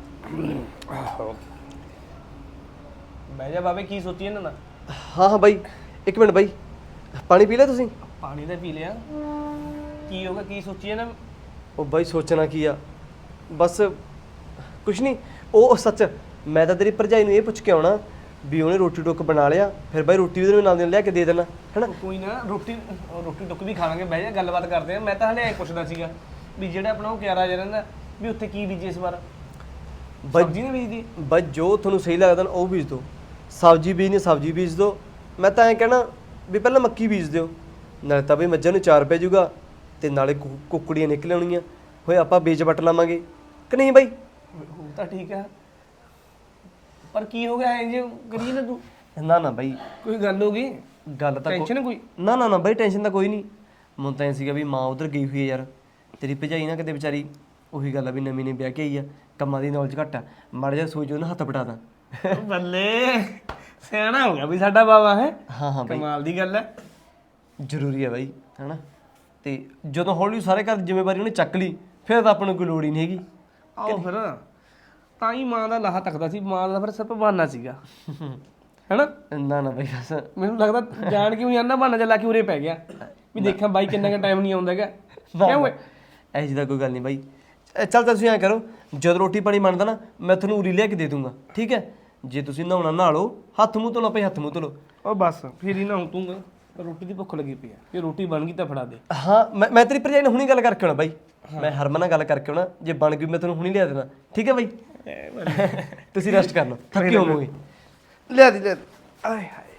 ਬਹਿ ਜਾ ਬਾਵੇ, ਕੀ ਸੋਚੀ ਇਹਨਾਂ ਨਾਲ? ਹਾਂ ਹਾਂ ਬਾਈ, ਇੱਕ ਮਿੰਟ ਬਾਈ, ਪਾਣੀ ਪੀ ਲਿਆ ਤੁਸੀਂ? ਪਾਣੀ ਤਾਂ ਪੀ ਲਿਆ। ਕੀ ਹੋਗਾ, ਕੀ ਸੋਚੀ ਇਹਨਾਂ? ਉਹ ਬਾਈ ਸੋਚਣਾ ਕੀ ਆ, ਬਸ ਕੁਛ ਨਹੀਂ। ਉਹ ਸੱਚ, ਮੈਂ ਤਾਂ ਤੇਰੀ ਭਰਜਾਈ ਨੂੰ ਇਹ ਪੁੱਛ ਕੇ ਆਉਣਾ ਵੀ ਉਹਨੇ ਰੋਟੀ ਟੁੱਕ ਬਣਾ ਲਿਆ, ਫਿਰ ਬਾਈ ਰੋਟੀ ਉਹਦੇ ਨਾਲ ਲਿਆ ਕੇ ਦੇ ਦੇਣਾ ਹੈਨਾ। ਕੋਈ ਨਾ, ਰੋਟੀ ਟੁੱਕ ਵੀ ਖਾਵਾਂਗੇ, ਬਹਿ ਜਾ ਗੱਲਬਾਤ ਕਰਦੇ ਆ। ਮੈਂ ਤਾਂ ਹਲੇ ਐ ਪੁੱਛਦਾ ਸੀਗਾ ਵੀ ਜਿਹੜਾ ਆਪਣਾ ਉਹ ਕਿਆਰਾ ਜਿਹਾ ਰਹਿੰਦਾ ਵੀ ਉੱਥੇ ਕੀ ਬੀਜੇ ਇਸ ਵਾਰ? ਸਬਜ਼ੀ ਨਹੀਂ ਬੀਜਦੀ? ਬਾਈ ਜੋ ਤੁਹਾਨੂੰ ਸਹੀ ਲੱਗਦਾ ਨਾ ਉਹ ਬੀਜ ਦਿਓ। ਸਬਜ਼ੀ ਬੀਜਣੀ ਸਬਜ਼ੀ ਬੀਜ ਦਿਓ। ਮੈਂ ਤਾਂ ਐਂ ਕਹਿਣਾ ਵੀ ਪਹਿਲਾਂ ਮੱਕੀ ਬੀਜ ਦਿਓ, ਨਾਲੇ ਤਾਂ ਬਈ ਮੱਝਾਂ ਨੂੰ ਚਾਰ ਪੈ ਜਾਊਗਾ, ਤੇ ਨਾਲੇ ਕੁੱਕੜੀਆਂ ਨਿਕਲ ਆਉਣੀਆਂ, ਹੋਏ ਆਪਾਂ ਬੀਜ ਵੱਟ ਲਾਵਾਂਗੇ ਕਿ ਨਹੀਂ ਬਾਈ? ਉਹ ਤਾਂ ਠੀਕ ਆ, ਪਰ ਕੀ ਹੋ ਗਿਆ ਇੰਜ ਕਰੀ ਨਾ ਤੂੰ? ਨਾ ਨਾ ਬਾਈ, ਕੋਈ ਗੱਲ ਹੋ ਗਈ? ਗੱਲ ਤਾਂ ਟੈਨਸ਼ਨ ਕੋਈ? ਨਾ ਨਾ ਨਾ ਬਾਈ, ਟੈਨਸ਼ਨ ਤਾਂ ਕੋਈ ਨਹੀਂ। ਮੈਨੂੰ ਤਾਂ ਐਂ ਸੀਗਾ ਵੀ ਮਾਂ ਉਧਰ ਗਈ ਹੋਈ ਹੈ ਯਾਰ, ਤੇਰੀ ਭਜਾਈ ਨਾ ਕਿਤੇ ਵਿਚਾਰੀ ਉਹੀ ਗੱਲ ਆ ਵੀ ਨਵੀਂ ਨੇ ਵਿਆਹ ਕੇ ਆਈ ਆ, ਕੰਮਾਂ ਦੀ ਨੌਲੇਜ ਘੱਟ ਆ, ਮਾੜਾ ਜਿਹਾ ਸੋਚ ਉਹਨੂੰ ਹੱਥ ਪਟਾ ਦਾਂ। ਬੱਲੇ, ਸਿਆਣਾ ਹੋ ਗਿਆ ਵੀ ਸਾਡਾ ਬਾਬਾ ਹੈ। ਹਾਂ ਹਾਂ ਬਾਈ, ਕਮਾਲ ਦੀ ਗੱਲ ਹੈ। ਜ਼ਰੂਰੀ ਹੈ ਬਾਈ ਹੈਨਾ। ਤੇ ਜਦੋਂ ਹੌਲੀ ਸਾਰੇ ਘਰ ਦੀ ਜ਼ਿੰਮੇਵਾਰੀ ਉਹਨੇ ਚੱਕ ਲਈ, ਫਿਰ ਤਾਂ ਆਪਾਂ ਨੂੰ ਕੋਈ ਲੋੜ ਹੀ ਨਹੀਂ ਹੈਗੀ। ਆਓ ਫਿਰ ਤਾਂ ਹੀ ਮਾਂ ਦਾ ਲਾਹਾ ਤੱਕਦਾ ਸੀ, ਮਾਂ ਦਾ ਫਿਰ ਸਿਰਫ ਬਹਾਨਾ ਸੀਗਾ ਹੈਨਾ। ਨਾ ਨਾ ਬਾਈ ਬਸ ਮੈਨੂੰ ਲੱਗਦਾ ਜਾਣ ਕੇ ਵੀ ਆਨਾ ਬਹਾਨਾ ਚੱਲਾ ਕੇ ਉਰੇ ਪੈ ਗਿਆ ਵੀ ਦੇਖਾਂ ਬਾਈ ਕਿੰਨਾ ਕੁ ਟਾਈਮ ਨਹੀਂ ਆਉਂਦਾ ਹੈਗਾ। ਕਿਉਂ ਓਏ? ਐ ਜਿਹੀ ਦਾ ਕੋਈ ਗੱਲ ਨਹੀਂ ਬਾਈ। ਚੱਲ ਤੁਸੀਂ ਐਂ ਕਰੋ, ਜਦ ਰੋਟੀ ਪਾਣੀ ਬਣਦਾ ਨਾ ਮੈਂ ਤੁਹਾਨੂੰ ਉਰੀ ਲਿਆ ਕੇ ਦੇ ਦੂੰਗਾ, ਠੀਕ ਹੈ। ਜੇ ਤੁਸੀਂ ਨਹਾਉਣਾ ਨਹਾ ਲਓ, ਹੱਥ ਮੂੰਹ ਧੋ ਲਓ ਭਾਈ, ਹੱਥ ਮੂੰਹ ਧੋ ਲਓ। ਉਹ ਬਸ ਫਿਰ ਹੀ ਨਹਾਉਂ ਤੂੰ, ਰੋਟੀ ਦੀ ਭੁੱਖ ਲੱਗੀ ਪਈ ਆ, ਜੇ ਰੋਟੀ ਬਣ ਗਈ ਤਾਂ ਫੜਾ ਦੇ। ਹਾਂ ਮੈਂ ਤੇਰੀ ਭਰਜਾਈ ਨਾਲ ਹੁਣੀ ਗੱਲ ਕਰਕੇ ਆਉਣਾ ਬਾਈ, ਮੈਂ ਹਰਮਨ ਨਾਲ ਗੱਲ ਕਰਕੇ ਆਉਣਾ, ਜੇ ਬਣ ਗਈ ਮੈਂ ਤੁਹਾਨੂੰ ਹੁਣੀ ਲਿਆ ਦੇਣਾ, ਠੀਕ ਹੈ ਬਾਈ। ਤੁਸੀਂ ਰੈਸਟ ਕਰ ਲਓ, ਥੱਕੇ ਹੋਵੋਗੇ। ਲਿਆ ਦੀ ਆਏ ਹਾਏ,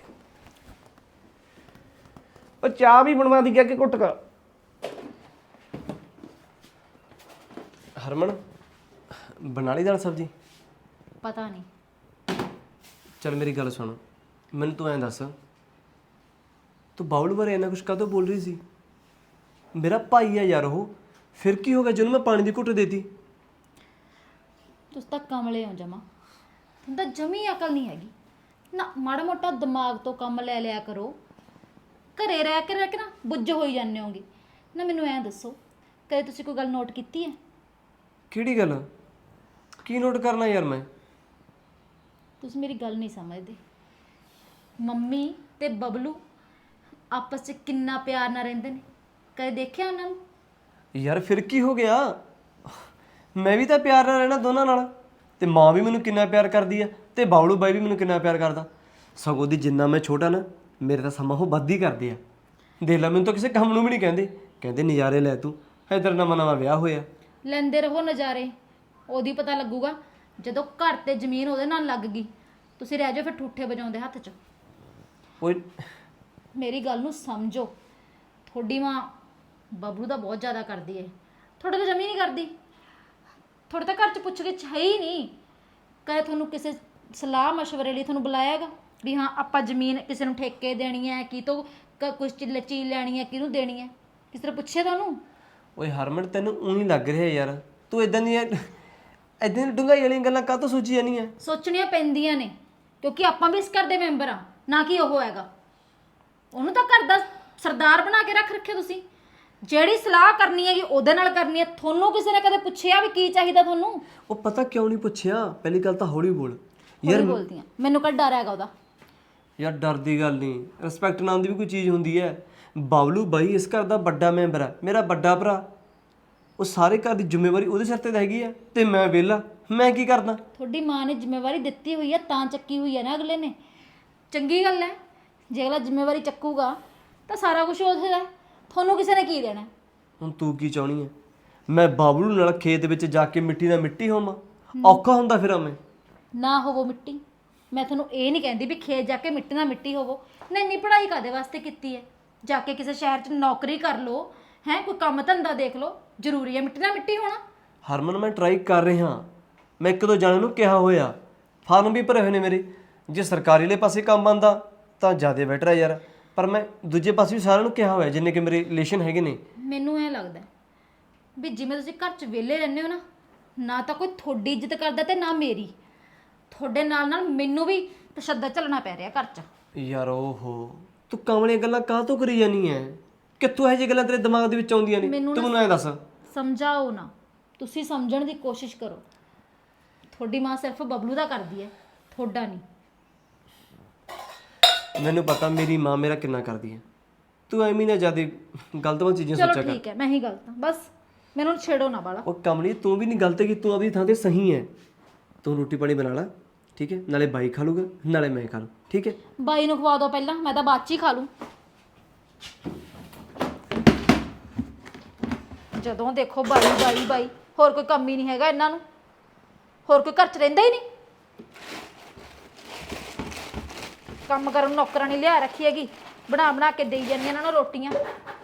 ਉਹ ਚਾਹ ਵੀ ਬਣਵਾ ਦੀ ਕਿ ਘੁੱਟ ਕਾ। ਹਰਮਨ ਬਣਾ ਲਈ ਦਾਲ ਸਬਜ਼ੀ? ਪਤਾ ਨਹੀਂ। ਚੱਲ ਮੇਰੀ ਗੱਲ ਸੁਣ, ਮੈਨੂੰ ਤੂੰ ਐਂ ਦੱਸ, ਤੂੰ ਬਾਉਲ ਬਾਰੇ ਇੰਨਾ ਕੁਛ ਕਾਹਤੋਂ ਬੋਲ ਰਹੀ ਸੀ? ਮੇਰਾ ਭਾਈ ਆ ਯਾਰ ਉਹ, ਫਿਰ ਕੀ ਹੋ ਗਿਆ ਜਿਹਨੂੰ ਮੈਂ ਪਾਣੀ ਦੀ ਘੁੱਟ ਦੇਤੀ? ਤੁਸੀਂ ਤਾਂ ਕਮਲੇ ਹੋ ਜਮਾ, ਤੁਹਾਨੂੰ ਤਾਂ ਜਮੀ ਅਕਲ ਨਹੀਂ ਹੈਗੀ ਨਾ। ਮਾੜਾ ਮੋਟਾ ਦਿਮਾਗ ਤੋਂ ਕੰਮ ਲੈ ਲਿਆ ਕਰੋ। ਘਰੇ ਰਹਿ ਕੇ ਨਾ ਬੁੱਝ ਹੋਈ ਜਾਂਦੇ ਹੋਗੇ ਨਾ। ਮੈਨੂੰ ਐਂ ਦੱਸੋ, ਕਦੇ ਤੁਸੀਂ ਕੋਈ ਗੱਲ ਨੋਟ ਕੀਤੀ ਹੈ? ਕਿਹੜੀ ਗੱਲ? ਕੀ ਨੋਟ ਕਰਨਾ ਯਾਰ ਮੈਂ? ਤੁਸੀਂ ਮੇਰੀ ਗੱਲ ਨਹੀਂ ਸਮਝਦੇ। ਮੰਮੀ ਤੇ ਬਬਲੂ ਆਪਸ 'ਚ ਕਿੰਨਾ ਪਿਆਰ ਨਾਲ ਰਹਿੰਦੇ ਨੇ, ਕਦੇ ਦੇਖਿਆ ਉਹਨਾਂ ਨੂੰ? ਯਾਰ ਫਿਰ ਕੀ ਹੋ ਗਿਆ? ਮੈਂ ਵੀ ਤਾਂ ਪਿਆਰ ਨਾਲ ਰਹਿਣਾ ਦੋਨਾਂ ਨਾਲ, ਤੇ ਮਾਂ ਵੀ ਮੈਨੂੰ ਕਿੰਨਾ ਪਿਆਰ ਕਰਦੀ ਆ, ਤੇ ਬਾਉਲੂ ਬਾਈ ਵੀ ਮੈਨੂੰ ਕਿੰਨਾ ਪਿਆਰ ਕਰਦਾ। ਸਗੋਂ ਦੀ ਜਿੰਨਾ ਮੈਂ ਛੋਟਾ ਨਾ, ਮੇਰੇ ਤਾਂ ਸਮਾਂ ਉਹ ਵੱਧ ਹੀ ਕਰਦੇ ਆ। ਦੇਖ ਲੈ, ਮੈਨੂੰ ਤਾਂ ਕਿਸੇ ਕੰਮ ਨੂੰ ਵੀ ਨਹੀਂ ਕਹਿੰਦੇ, ਕਹਿੰਦੇ ਨਜ਼ਾਰੇ ਲੈ ਤੂੰ, ਇਧਰ ਨਵਾਂ ਵਿਆਹ ਹੋਇਆ। ਲੈਂਦੇ ਰਹੋ ਨਜ਼ਾਰੇ, ਉਹਦੀ ਪਤਾ ਲੱਗੂਗਾ ਜਦੋਂ ਘਰ ਤੇ ਜ਼ਮੀਨ ਉਹਦੇ ਨਾਲ ਲੱਗ ਗਈ। ਤੁਸੀਂ ਰਹਿ ਜਾਓ ਫਿਰ ਠੂਠੇ ਵਜਾਉਂਦੇ ਹੱਥ 'ਚ। ਓਏ ਮੇਰੀ ਗੱਲ ਨੂੰ ਸਮਝੋ, ਤੁਹਾਡੀ ਮਾਂ ਬਬਲੂ ਦਾ ਬਹੁਤ ਜ਼ਿਆਦਾ ਕਰਦੀ ਹੈ, ਤੁਹਾਡੇ ਤਾਂ ਜਮੀ ਨਹੀਂ ਕਰਦੀ। ਤੁਹਾਡੇ ਤਾਂ ਘਰ 'ਚ ਪੁੱਛ ਕੇ ਹੈ ਹੀ ਨਹੀਂ। ਕਦੇ ਤੁਹਾਨੂੰ ਕਿਸੇ ਸਲਾਹ ਮਸ਼ਵਰੇ ਲਈ ਤੁਹਾਨੂੰ ਬੁਲਾਇਆ ਹੈਗਾ ਵੀ ਹਾਂ ਆਪਾਂ ਜ਼ਮੀਨ ਕਿਸੇ ਨੂੰ ਠੇਕੇ ਦੇਣੀ ਹੈ, ਕੀ ਤੋਂ ਕੁਛ ਚੀਜ਼ ਲੈਣੀ ਹੈ, ਕਿਹਨੂੰ ਦੇਣੀ ਹੈ, ਕਿਸੇ ਨੇ ਪੁੱਛਿਆ ਤੁਹਾਨੂੰ? ਓਏ ਹਰਮਨ, ਤੈਨੂੰ ਊਂ ਹੀ ਲੱਗ ਰਿਹਾ ਯਾਰ, ਤੂੰ ਇਦਾਂ ਦੀਆਂ ਡੂੰਘਾਈ ਵਾਲੀਆਂ ਗੱਲਾਂ ਕਾਹਤੋਂ ਸੋਚੀ ਜਾਂਦੀ ਆ? ਸੋਚਣੀਆਂ ਪੈਂਦੀਆਂ ਨੇ, ਕਿਉਂਕਿ ਆਪਾਂ ਵੀ ਇਸ ਘਰ ਦੇ ਮੈਂਬਰ ਆ, ਨਾ ਕਿ ਉਹ ਹੈਗਾ। ਉਹਨੂੰ ਤਾਂ ਘਰ ਦਾ ਸਰਦਾਰ ਬਣਾ ਕੇ ਰੱਖਿਆ ਤੁਸੀਂ। ਜਿਹੜੀ ਸਲਾਹ ਕਰਨੀ ਹੈਗੀ ਉਹਦੇ ਨਾਲ ਕਰਨੀ ਹੈ। ਤੁਹਾਨੂੰ ਕਿਸੇ ਨੇ ਕਦੇ ਪੁੱਛਿਆ ਵੀ ਕੀ ਚਾਹੀਦਾ ਤੁਹਾਨੂੰ? ਉਹ ਪਤਾ ਕਿਉਂ ਨਹੀਂ ਪੁੱਛਿਆ? ਪਹਿਲੀ ਗੱਲ ਤਾਂ ਹੌਲੀ ਬੋਲ ਯਾਰ। ਬੋਲਦੀ ਆ, ਮੈਨੂੰ ਕਦ ਡਰ ਹੈਗਾ ਉਹਦਾ? ਯਾਰ ਡਰ ਦੀ ਗੱਲ ਨਹੀਂ, ਰਿਸਪੈਕਟ ਨਾਮ ਦੀ ਵੀ ਕੋਈ ਚੀਜ਼ ਹੁੰਦੀ ਹੈ। ਬਾਬਲੂ ਬਾਈ ਇਸ ਘਰ ਦਾ ਵੱਡਾ ਮੈਂਬਰ ਹੈ, ਮੇਰਾ ਵੱਡਾ ਭਰਾ। ਉਹ ਸਾਰੇ ਘਰ ਦੀ ਜ਼ਿੰਮੇਵਾਰੀ ਉਹਦੇ ਸਿਰ ਤੇ ਤਾਂ ਹੈਗੀ ਹੈ, ਤੇ ਮੈਂ ਵਿਹਲਾ, ਮੈਂ ਕੀ ਕਰਦਾ? ਤੁਹਾਡੀ ਮਾਂ ਨੇ ਜ਼ਿੰਮੇਵਾਰੀ ਦਿੱਤੀ ਹੋਈ ਹੈ ਤਾਂ ਚੱਕੀ ਹੋਈ ਹੈ ਨਾ ਅਗਲੇ ਨੇ। ਚੰਗੀ ਗੱਲ ਹੈ, ਜੇ ਅਗਲਾ ਜ਼ਿੰਮੇਵਾਰੀ ਚੱਕੂਗਾ ਤਾਂ ਸਾਰਾ ਕੁਝ ਉਹਦਾ ਹੈ, ਤੁਹਾਨੂੰ ਕਿਸੇ ਨੇ ਕੀ ਦੇਣਾ? ਹੁਣ ਤੂੰ ਕੀ ਚਾਹਣੀ ਹੈ? ਮੈਂ ਬਾਬਲੂ ਨਾਲ ਖੇਤ ਵਿੱਚ ਜਾ ਕੇ ਮਿੱਟੀ ਨਾਲ ਮਿੱਟੀ ਹੋਵਾਂ? ਔਖਾ ਹੁੰਦਾ ਫਿਰ ਮੈਂ ਨਾ ਹੋਵੋ ਮਿੱਟੀ। ਮੈਂ ਤੁਹਾਨੂੰ ਇਹ ਨਹੀਂ ਕਹਿੰਦੀ ਵੀ ਖੇਤ ਜਾ ਕੇ ਮਿੱਟੀ ਨਾਲ ਮਿੱਟੀ ਹੋਵੋ। ਨਹੀਂ ਨਹੀਂ, ਪੜ੍ਹਾਈ ਕਾਦੇ ਵਾਸਤੇ ਕੀਤੀ ਹੈ? ਜਾ ਕੇ ਕਿਸੇ ਸ਼ਹਿਰ 'ਚ ਨੌਕਰੀ ਕਰ ਲਓ, ਹੈ ਕੋਈ ਕੰਮ ਧੰਦਾ ਦੇਖ ਲਓ। ਜ਼ਰੂਰੀ ਹੈ ਮਿੱਟੀ ਨਾਲ ਮਿੱਟੀ ਹੋਣਾ? ਹਰਮਨ, ਮੈਂ ਟਰਾਈ ਕਰ ਰਿਹਾ। ਮੈਂ ਇੱਕ ਦੋ ਜਣਿਆਂ ਨੂੰ ਕਿਹਾ ਹੋਇਆ, ਫਾਰਮ ਵੀ ਭਰੇ ਹੋਏ ਨੇ ਮੇਰੇ। ਜੇ ਸਰਕਾਰੀ ਵਾਲੇ ਪਾਸੇ ਕੰਮ ਆਉਂਦਾ ਤਾਂ ਜ਼ਿਆਦਾ ਬੈਟਰ ਹੈ ਯਾਰ, ਪਰ ਮੈਂ ਦੂਜੇ ਪਾਸੇ ਵੀ ਸਾਰਿਆਂ ਨੂੰ ਕਿਹਾ ਹੋਇਆ ਜਿੰਨੇ ਕਿ ਮੇਰੇ ਰਿਲੇਸ਼ਨ ਹੈਗੇ ਨੇ। ਮੈਨੂੰ ਐਂ ਲੱਗਦਾ ਵੀ ਜਿਵੇਂ ਤੁਸੀਂ ਘਰ 'ਚ ਵਿਹਲੇ ਰਹਿੰਦੇ ਹੋ ਨਾ, ਨਾ ਤਾਂ ਕੋਈ ਤੁਹਾਡੀ ਇੱਜ਼ਤ ਕਰਦਾ ਤੇ ਨਾ ਮੇਰੀ। ਤੁਹਾਡੇ ਨਾਲ ਨਾਲ ਮੈਨੂੰ ਵੀ ਤਸ਼ੱਦਦ ਝੱਲਣਾ ਪੈ ਰਿਹਾ ਘਰ 'ਚ। ਯਾਰ ਓਹੋ, ਤੂੰ ਕਮਲੀਆਂ ਗੱਲਾਂ ਕਾਹਤੋਂ ਕਰੀ ਜਾਨੀ ਐ? ਕਿੱਥੋਂ ਇਹੋ ਜਿਹੀਆਂ ਗੱਲਾਂ ਤੇਰੇ ਦਿਮਾਗ ਦੇ ਵਿੱਚ ਆਉਂਦੀਆਂ ਨੇ? ਤੂੰ ਮੈਨੂੰ ਐਂ ਦੱਸ। ਸਮਝਾਓ ਨਾ, ਤੁਸੀਂ ਸਮਝਣ ਦੀ ਕੋਸ਼ਿਸ਼ ਕਰੋ। ਤੁਹਾਡੀ ਮਾਂ ਸਿਰਫ ਬਬਲੂ ਦਾ ਕਰਦੀ ਹੈ, ਤੁਹਾਡਾ ਨਹੀਂ। ਮੈਨੂੰ ਪਤਾ ਮੇਰੀ ਮਾਂ ਮੇਰਾ ਕਿੰਨਾ ਕਰਦੀ ਹੈ। ਤੂੰ ਐਵੇਂ ਨਾ ਜਿਆਦਾ ਗਲਤਵਾਂ ਚੀਜ਼ਾਂ ਸੋਚਿਆ ਚਲੋ ਕਰ। ਠੀਕ ਹੈ, ਮੈਂ ਹੀ ਗਲਤ ਹਾਂ, ਬਸ ਮੈਨੂੰ ਛੇੜੋ ਨਾ ਬਾਲਾ। ਉਹ ਕਮਲੀ, ਤੂੰ ਵੀ ਨਹੀਂ ਗਲਤ ਕਿ ਤੂੰ ਆਪਣੀ ਥਾਂ ਤੇ ਸਹੀ ਹੈ। ਤੂੰ ਰੋਟੀ ਪਾਣੀ ਬਣਾ ਲੈ, ਠੀਕ ਹੈ? ਨਾਲੇ ਬਾਈ ਖਾ ਲੂਗਾ, ਨਾਲੇ ਮੈਂ ਖਾ ਲੂ, ਠੀਕ ਹੈ? ਬਾਈ ਨੂੰ ਖਵਾ ਦਿਓ ਪਹਿਲਾਂ, ਮੈਂ ਤਾਂ ਬਾਅਦ 'ਚ ਹੀ ਖਾ ਲੂੰ। ਜਦੋਂ ਦੇਖੋ ਬਾਈ ਬਾਈ ਬਾਈ, ਹੋਰ ਕੋਈ ਕੰਮ ਹੀ ਨਹੀਂ ਹੈਗਾ ਇਹਨਾਂ ਨੂੰ। ਹੋਰ ਕੋਈ ਘਰ 'ਚ ਰਹਿੰਦਾ ਹੀ ਨਹੀਂ। ਕੰਮ ਕਰਨ ਨੂੰ ਨੌਕਰਾਂ ਨਹੀਂ ਲਿਆ ਰੱਖੀ ਹੈਗੀ, ਬਣਾ ਬਣਾ ਕੇ ਦੇਈ ਜਾਂਦੀਆਂ ਇਹਨਾਂ ਨੂੰ ਰੋਟੀਆਂ।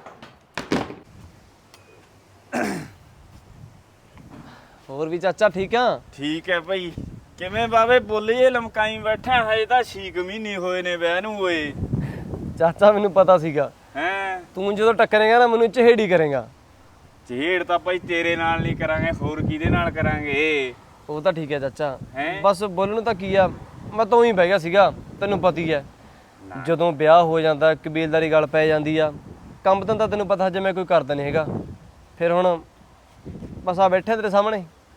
ਹੋਰ ਵੀ ਚਾਚਾ ਠੀਕ ਆ? ਠੀਕ ਹੈ ਭਾਈ। ਕਿਵੇਂ ਬਾਵੇ ਬੋਲੀਏ ਲਮਕਾਈ ਬੈਠਾ, ਹਜੇ ਤਾਂ 6 ਮਹੀਨੇ ਹੋਏ ਨੇ ਵਿਆਹ ਨੂੰ ਓਏ। ਚਾਚਾ ਮੈਨੂੰ ਪਤਾ ਸੀਗਾ, ਹੈਂ? ਤੂੰ ਜਦੋਂ ਟੱਕਰੇਗਾ ਨਾ ਮੈਨੂੰ ਚਿਹੜੀ ਕਰੇਗਾ। ਚਿਹੜ ਤਾਂ ਭਾਈ ਤੇਰੇ ਨਾਲ ਨਹੀਂ ਕਰਾਂਗੇ, ਹੋਰ ਕਿਹਦੇ ਨਾਲ ਕਰਾਂਗੇ? ਉਹ ਤਾਂ ਠੀਕ ਹੈ ਚਾਚਾ, ਹੈਂ? ਬਸ ਬੋਲਣ ਨੂੰ ਤਾਂ ਕੀ ਆ, ਮੈਂ ਤਾਂ ਉਹੀ ਬਹਿ ਗਿਆ ਸੀਗਾ। ਤੈਨੂੰ ਪਤੀ ਹੈ, ਜਦੋਂ ਵਿਆਹ ਹੋ ਜਾਂਦਾ ਕਬੀਲਦਾਰੀ ਗੱਲ ਪੈ ਜਾਂਦੀ ਆ। ਕੰਮ ਧੰਦਾ ਤੈਨੂੰ ਪਤਾ ਜਿਵੇਂ ਕੋਈ ਕਰਦਾ ਨਹੀਂ ਹੈਗਾ। ਫਿਰ ਹੁਣ ਬਸ ਆ ਬੈਠੇ ਤੇਰੇ ਸਾਹਮਣੇ।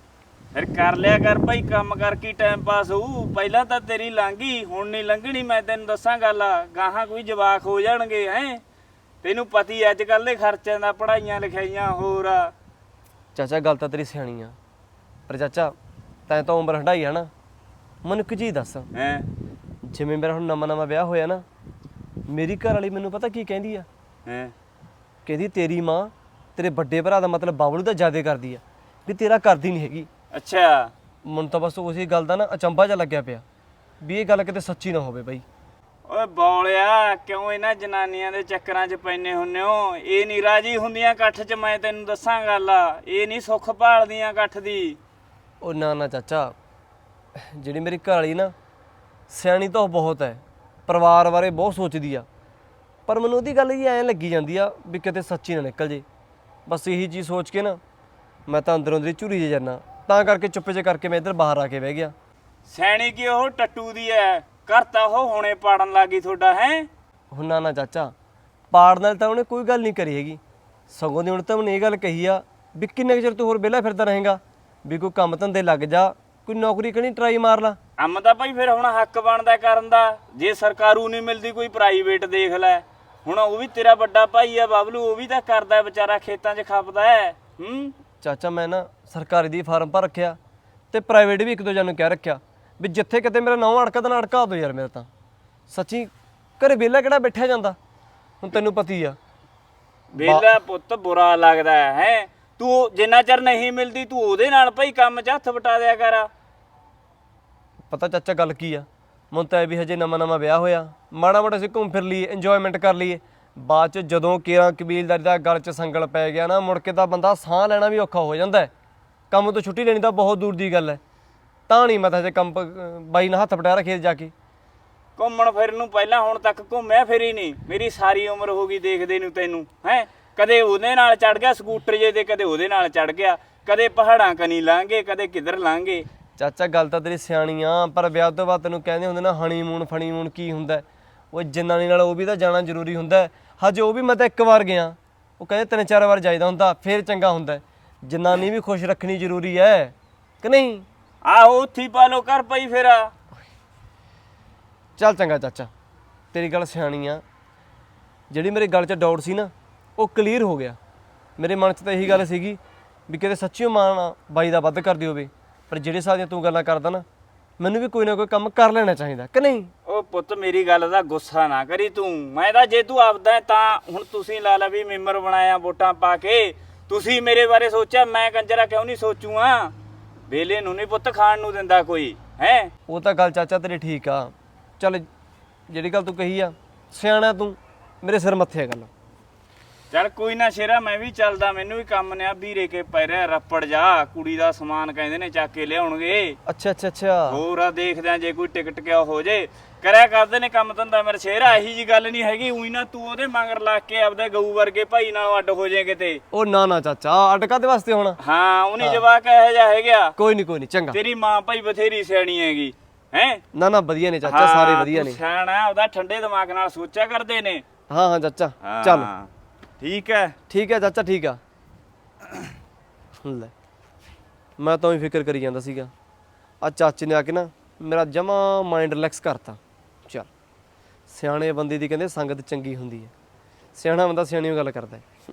ਫਿਰ ਕਰ ਲਿਆ ਕਰ ਭਾਈ, ਕੰਮ ਕਰਕੇ ਟਾਈਮ ਪਾਸ ਹੋਊ। ਪਹਿਲਾਂ ਤਾਂ ਤੇਰੀ ਲੰਘੀ, ਹੁਣ ਨਹੀਂ ਲੰਘਣੀ। ਮੈਂ ਤੈਨੂੰ ਦੱਸਾਂ ਗੱਲ, ਗਾਹਾਂ ਕੋਈ ਜਵਾਕ ਹੋ ਜਾਣਗੇ ਹੈ। ਤੈਨੂੰ ਪਤੀ ਅੱਜ ਕੱਲ੍ਹ ਦੇ ਖਰਚਿਆਂ ਦਾ, ਪੜ੍ਹਾਈਆਂ ਲਿਖਾਈਆਂ ਹੋਰ ਆ। ਚਾਚਾ ਗੱਲ ਤਾਂ ਤੇਰੀ ਸਿਆਣੀ ਆ, ਪਰ ਚਾਚਾ ਤੈਂ ਤਾਂ ਉਮਰ ਹੰਢਾਈ ਆ ਨਾ। ਮੈਨੂੰ ਇੱਕ ਚੀਜ਼ ਦੱਸ, ਹੈ ਜਿਵੇਂ ਮੇਰਾ ਹੁਣ ਨਵਾਂ ਨਵਾਂ ਵਿਆਹ ਹੋਇਆ ਨਾ, ਮੇਰੀ ਘਰ ਵਾਲੀ ਮੈਨੂੰ ਪਤਾ ਕੀ ਕਹਿੰਦੀ ਆ? ਹੈ ਕਹਿੰਦੀ ਤੇਰੀ ਮਾਂ ਤੇਰੇ ਵੱਡੇ ਭਰਾ ਦਾ ਮਤਲਬ ਬਾਬਲੂ ਦਾ ਜ਼ਿਆਦਾ ਕਰਦੀ ਆ, ਵੀ ਤੇਰਾ ਕਰਦੀ ਨਹੀਂ ਹੈਗੀ। ਅੱਛਾ, ਮੈਨੂੰ ਤਾਂ ਬਸ ਉਸੇ ਗੱਲ ਦਾ ਨਾ ਅਚੰਭਾ ਜਿਹਾ ਲੱਗਿਆ ਪਿਆ ਵੀ ਇਹ ਗੱਲ ਕਿਤੇ ਸੱਚੀ ਨਾ ਹੋਵੇ ਬਾਈ। ਓਏ ਬੌਲਿਆ, ਕਿਉਂ ਇਹਨਾਂ ਜਨਾਨੀਆਂ ਦੇ ਚੱਕਰਾਂ 'ਚ ਪੈਨੇ ਹੁੰਨੇ ਹੋ? ਇਹ ਨਹੀਂ ਰਾਜੀ ਹੁੰਦੀਆਂ ਇਕੱਠ 'ਚ, ਮੈਂ ਤੈਨੂੰ ਦੱਸਾਂ ਗੱਲ, ਇਹ ਨਹੀਂ ਸੁੱਖ ਭਾਲਦੀਆਂ ਇਕੱਠ ਦੀ। ਉਹ ਨਾ ਨਾ ਚਾਚਾ, ਜਿਹੜੀ ਮੇਰੀ ਘਰ ਵਾਲੀ ਨਾ ਸਿਆਣੀ ਤਾਂ ਉਹ ਬਹੁਤ ਹੈ, ਪਰਿਵਾਰ ਬਾਰੇ ਬਹੁਤ ਸੋਚਦੀ ਆ, ਪਰ ਮੈਨੂੰ ਉਹਦੀ ਗੱਲ ਹੀ ਐਂ ਲੱਗੀ ਜਾਂਦੀ ਆ ਵੀ ਕਿਤੇ ਸੱਚੀ ਨਾ ਨਿਕਲ ਜੇ। ਬਸ ਇਹੀ ਚੀਜ਼ ਸੋਚ ਕੇ ਨਾ ਮੈਂ ਤਾਂ ਅੰਦਰੋਂ ਅੰਦਰੀ ਝੁਰੀ ਜੇ ਜਾਨਾ, ਤਾਂ ਕਰਕੇ ਚੁੱਪ ਜੇ ਕਰਕੇ ਮੈਂ ਇੱਧਰ ਬਾਹਰ ਆ ਕੇ ਬਹਿ ਗਿਆ। ਸੈਣੀ ਕੀ ਉਹ ਟੱਟੂ ਦੀ ਐ, ਘਰ ਤਾਂ ਉਹ ਹੁਣੇ ਪਾੜਨ ਲੱਗੀ ਤੁਹਾਡਾ ਹੈ। ਹੁਣ ਨਾ ਨਾ ਚਾਚਾ, ਪਾੜ ਨਾਲ ਤਾਂ ਉਹਨੇ ਕੋਈ ਗੱਲ ਨਹੀਂ ਕਰੀ ਹੈਗੀ, ਸਗੋਂ ਦੀ ਹੁਣ ਤਾਂ ਉਹਨੇ ਇਹ ਗੱਲ ਕਹੀ ਆ ਵੀ ਕਿੰਨੇ ਕੁ ਚਿਰ ਤੂੰ ਹੋਰ ਵਿਹਲਾ ਫਿਰਦਾ ਰਹੇਗਾ, ਵੀ ਕੋਈ ਕੰਮ ਧੰਦੇ ਲੱਗ ਜਾ, ਕੋਈ ਨੌਕਰੀ ਕਣੀ ਟਰਾਈ ਮਾਰ ਲਾ। ਕੰਮ ਤਾਂ ਭਾਈ ਫਿਰ ਹੁਣ ਹੱਕ ਬਣਦਾ ਕਰਨ ਦਾ, ਜੇ ਸਰਕਾਰੂ ਨਹੀਂ ਮਿਲਦੀ ਕੋਈ ਪ੍ਰਾਈਵੇਟ ਦੇਖ ਲੈ। ਹੁਣ ਉਹ ਵੀ ਤੇਰਾ ਵੱਡਾ ਭਾਈ ਆ ਬਾਬਲੂ, ਉਹ ਵੀ ਤਾਂ ਕਰਦਾ ਵਿਚਾਰਾ, ਖੇਤਾਂ 'ਚ ਖਪਦਾ ਹੈ। ਚਾਚਾ ਮੈਂ ਨਾ ਸਰਕਾਰੀ ਦੀ ਫਾਰਮ ਭਰ ਰੱਖਿਆ ਤੇ ਪ੍ਰਾਈਵੇਟ ਵੀ ਇੱਕ ਦੋ ਜਣ ਕਹਿ ਰੱਖਿਆ ਵੀ ਜਿੱਥੇ ਕਿਤੇ ਮੇਰਾ ਨਾਂ ਅੜਕਾ ਤਾਂ ਅੜਕਾ ਦੋ ਯਾਰ। ਮੇਰਾ ਤਾਂ ਸੱਚੀ ਘਰੇ ਵਿਹਲਾ ਕਿਹੜਾ ਬੈਠਿਆ ਜਾਂਦਾ, ਹੁਣ ਤੈਨੂੰ ਪਤੀ ਆ। ਵੇਲਾ ਪੁੱਤ ਬੁਰਾ ਲੱਗਦਾ ਹੈ। ਤੂੰ ਜਿੰਨਾ ਚਿਰ ਨਹੀਂ ਮਿਲਦੀ ਤੂੰ ਉਹਦੇ ਨਾਲ ਭਾਈ ਕੰਮ 'ਚ ਹੱਥ ਵਟਾ ਦਿਆ ਕਰ। ਪਤਾ ਚਾਚਾ ਗੱਲ ਕੀ ਆ, ਮੈਨੂੰ ਤਾਂ ਇਹ ਵੀ ਹਜੇ ਨਵਾਂ ਨਵਾਂ ਵਿਆਹ ਹੋਇਆ, ਮਾੜਾ ਮੋਟਾ ਅਸੀਂ ਘੁੰਮ ਫਿਰ ਲਈਏ, ਇੰਜੋਇਮੈਂਟ ਕਰ ਲਈਏ। ਬਾਅਦ 'ਚ ਜਦੋਂ ਕੇਰਾਂ ਕਬੀਲਦਾਰੀ ਦਾ ਗਲ 'ਚ ਸੰਗਲ ਪੈ ਗਿਆ ਨਾ, ਮੁੜ ਕੇ ਤਾਂ ਬੰਦਾ ਸਾਹ ਲੈਣਾ ਵੀ ਔਖਾ ਹੋ ਜਾਂਦਾ ਹੈ। ਕੰਮ ਤੋਂ ਛੁੱਟੀ ਲੈਣੀ ਤਾਂ ਬਹੁਤ ਦੂਰ ਦੀ ਗੱਲ ਹੈ। ਤਾਂ ਨਹੀਂ ਮੈਂ ਤਾਂ ਹਜੇ ਕੰਮ ਬਾਈ ਨਾਲ ਹੱਥ ਵਟਾਇਆ ਖੇਤ ਜਾ ਕੇ। ਘੁੰਮਣ ਫਿਰਨ ਨੂੰ ਪਹਿਲਾਂ ਹੁਣ ਤੱਕ ਘੁੰਮਿਆ ਫਿਰ ਹੀ ਨਹੀਂ। ਮੇਰੀ ਸਾਰੀ ਉਮਰ ਹੋ ਗਈ ਦੇਖਦੇ ਨੂੰ ਤੈਨੂੰ ਹੈ। ਕਦੇ ਉਹਦੇ ਨਾਲ ਚੜ ਗਿਆ ਸਕੂਟਰ ਜੇ ਤੇ, ਕਦੇ ਉਹਦੇ ਨਾਲ ਚੜ ਗਿਆ, ਕਦੇ ਪਹਾੜਾਂ ਕਨੀ ਲਾਂਗੇ, ਕਦੇ ਕਿੱਧਰ ਲਾਂਗੇ। ਚਾਚਾ ਗੱਲ ਤਾਂ ਤੇਰੀ ਸਿਆਣੀ ਆ, ਪਰ ਵਿਆਹ ਤੋਂ ਬਾਅਦ ਤੈਨੂੰ ਕਹਿੰਦੇ ਹੁੰਦੇ ਨਾ ਹਨੀਮੂਨ ਫਣੀਮੂਨ ਕੀ ਹੁੰਦਾ, ਉਹ ਜਨਾਨੀ ਨਾਲ ਉਹ ਵੀ ਤਾਂ ਜਾਣਾ ਜ਼ਰੂਰੀ ਹੁੰਦਾ। ਹਜੇ ਉਹ ਵੀ ਮੈਂ ਤਾਂ ਇੱਕ ਵਾਰ ਗਿਆ, ਉਹ ਕਹਿੰਦੇ 3-4 ਵਾਰ ਜਾਈਦਾ ਹੁੰਦਾ ਫੇਰ ਚੰਗਾ ਹੁੰਦਾ। ਜਨਾਨੀ ਵੀ ਖੁਸ਼ ਰੱਖਣੀ ਜ਼ਰੂਰੀ ਹੈ ਕਿ ਨਹੀਂ? ਆਹੋ ਉੱਥੀ ਪਾ ਲੋ ਕਰ ਪਈ ਫਿਰ। ਚੱਲ ਚੰਗਾ ਚਾਚਾ, ਤੇਰੀ ਗੱਲ ਸਿਆਣੀ ਆ। ਜਿਹੜੀ ਮੇਰੇ ਗੱਲ 'ਚ ਡਾਊਟ ਸੀ ਨਾ ਉਹ ਕਲੀਅਰ ਹੋ ਗਿਆ। ਮੇਰੇ ਮਨ 'ਚ ਤਾਂ ਇਹੀ ਗੱਲ ਸੀਗੀ ਵੀ ਕਿਤੇ ਸੱਚੀਓ ਮਾਂ ਬਾਈ ਦਾ ਵੱਧ ਕਰਦੀ ਹੋਵੇ, ਪਰ ਜਿਹੜੇ ਹਿਸਾਬ ਦੀਆਂ ਤੂੰ ਗੱਲਾਂ ਕਰਦਾ ਨਾ, ਮੈਨੂੰ ਵੀ ਕੋਈ ਨਾ ਕੋਈ ਕੰਮ ਕਰ ਲੈਣਾ ਚਾਹੀਦਾ ਕਿ ਨਹੀਂ? ਉਹ ਪੁੱਤ ਮੇਰੀ ਗੱਲ ਦਾ ਗੁੱਸਾ ਨਾ ਕਰੀ ਤੂੰ। ਮੈਂ ਤਾਂ ਜੇ ਤੂੰ ਆਪਦਾ ਹੈ ਤਾਂ ਹੁਣ ਤੁਸੀਂ ਲਾ ਲਾ ਵੀ ਮੈਂਬਰ ਬਣਾਇਆ ਵੋਟਾਂ ਪਾ ਕੇ, ਤੁਸੀਂ ਮੇਰੇ ਬਾਰੇ ਸੋਚਿਆ, ਮੈਂ ਕੰਜਰਾ ਕਿਉਂ ਨਹੀਂ ਸੋਚੂਗਾ? ਵੇਲੇ ਨੂੰ ਨਹੀਂ ਪੁੱਤ ਖਾਣ ਨੂੰ ਦਿੰਦਾ ਕੋਈ ਹੈ। ਉਹ ਤਾਂ ਗੱਲ ਚਾਚਾ ਤੇਰੀ ਠੀਕ ਆ। ਚੱਲ ਜਿਹੜੀ ਗੱਲ ਤੂੰ ਕਹੀ ਆ, ਸਿਆਣਾ ਤੂੰ, ਮੇਰੇ ਸਿਰ ਮੱਥੇ ਆ ਗੱਲ। ਚੱਲ ਕੋਈ ਨਾ ਸ਼ੇਰਾ, ਮੈਂ ਵੀ ਚੱਲਦਾ, ਮੈਨੂੰ ਵੀ ਕੰਮ ਨੇ ਆ। ਵੀਰੇ ਕੇ ਪੈ ਰਿਹਾ ਰੱਪੜ ਜਾ, ਕੁੜੀ ਦਾ ਸਮਾਨ ਕਹਿੰਦੇ ਨੇ ਚੱਕ ਕੇ ਲਿਆਉਣਗੇ। ਅੱਛਾ ਅੱਛਾ ਅੱਛਾ, ਹੋਰ ਆ ਦੇਖਦੇ ਆ ਜੇ ਕੋਈ ਟਿਕਟ ਕਿਆ ਹੋ ਜੇ। ਕਰਿਆ ਕਰਦੇ ਨੇ ਕੰਮ ਧੰਦਾ ਮੇਰੇ ਸ਼ੇਰਾ, ਇਹੀ ਜੀ ਗੱਲ ਨਹੀਂ ਹੈਗੀ। ਉਹੀ ਨਾ ਤੂੰ ਉਹਦੇ ਮਗਰ ਲੱਗ ਕੇ ਆਪਦੇ ਗਊ ਵਰਗੇ ਭਾਈ ਨਾਲੋਂ ਅੱਡ ਹੋ ਜਾਏ ਕਿਤੇ। ਉਹ ਨਾ ਨਾ ਚਾਚਾ, ਅਟਕਾ ਦੇ ਵਾਸਤੇ ਹੋਣਾ। ਹਾਂ ਉਹਨੇ ਜਵਾਕ ਇਹੋ ਜਿਹਾ ਹੈਗਾ। ਕੋਈ ਨਹੀਂ ਚੰਗਾ। ਤੇਰੀ ਮਾਂ ਭਾਈ ਬਥੇਰੀ ਸਿਆਣੀ ਹੈਗੀ ਹੈ। ਨਾ ਨਾ ਵਧੀਆ ਨੇ ਚਾਚਾ, ਸਾਰੇ ਵਧੀਆ ਨੇ। ਸਿਆਣਾ ਉਹਦਾ ਠੰਡੇ ਦਿਮਾਗ ਨਾਲ ਸੋਚਿਆ ਕਰਦੇ ਨੇ। ਹਾਂ ਹਾਂ ਚਾਚਾ ਚੱਲ ਠੀਕ ਹੈ। ਠੀਕ ਹੈ ਚਾਚਾ, ਠੀਕ ਆ। ਲੈ ਮੈਂ ਤਾਂ ਹੀ ਫਿਕਰ ਕਰੀ ਜਾਂਦਾ ਸੀਗਾ, ਆ ਚਾਚੇ ਨੇ ਆ ਕੇ ਨਾ ਮੇਰਾ ਜਮਾ ਮਾਈਂਡ ਰਿਲੈਕਸ ਕਰਤਾ। ਚੱਲ ਸਿਆਣੇ ਬੰਦੇ ਦੀ ਕਹਿੰਦੇ ਸੰਗਤ ਚੰਗੀ ਹੁੰਦੀ ਹੈ, ਸਿਆਣਾ ਬੰਦਾ ਸਿਆਣੀ ਗੱਲ ਕਰਦਾ ਹੈ।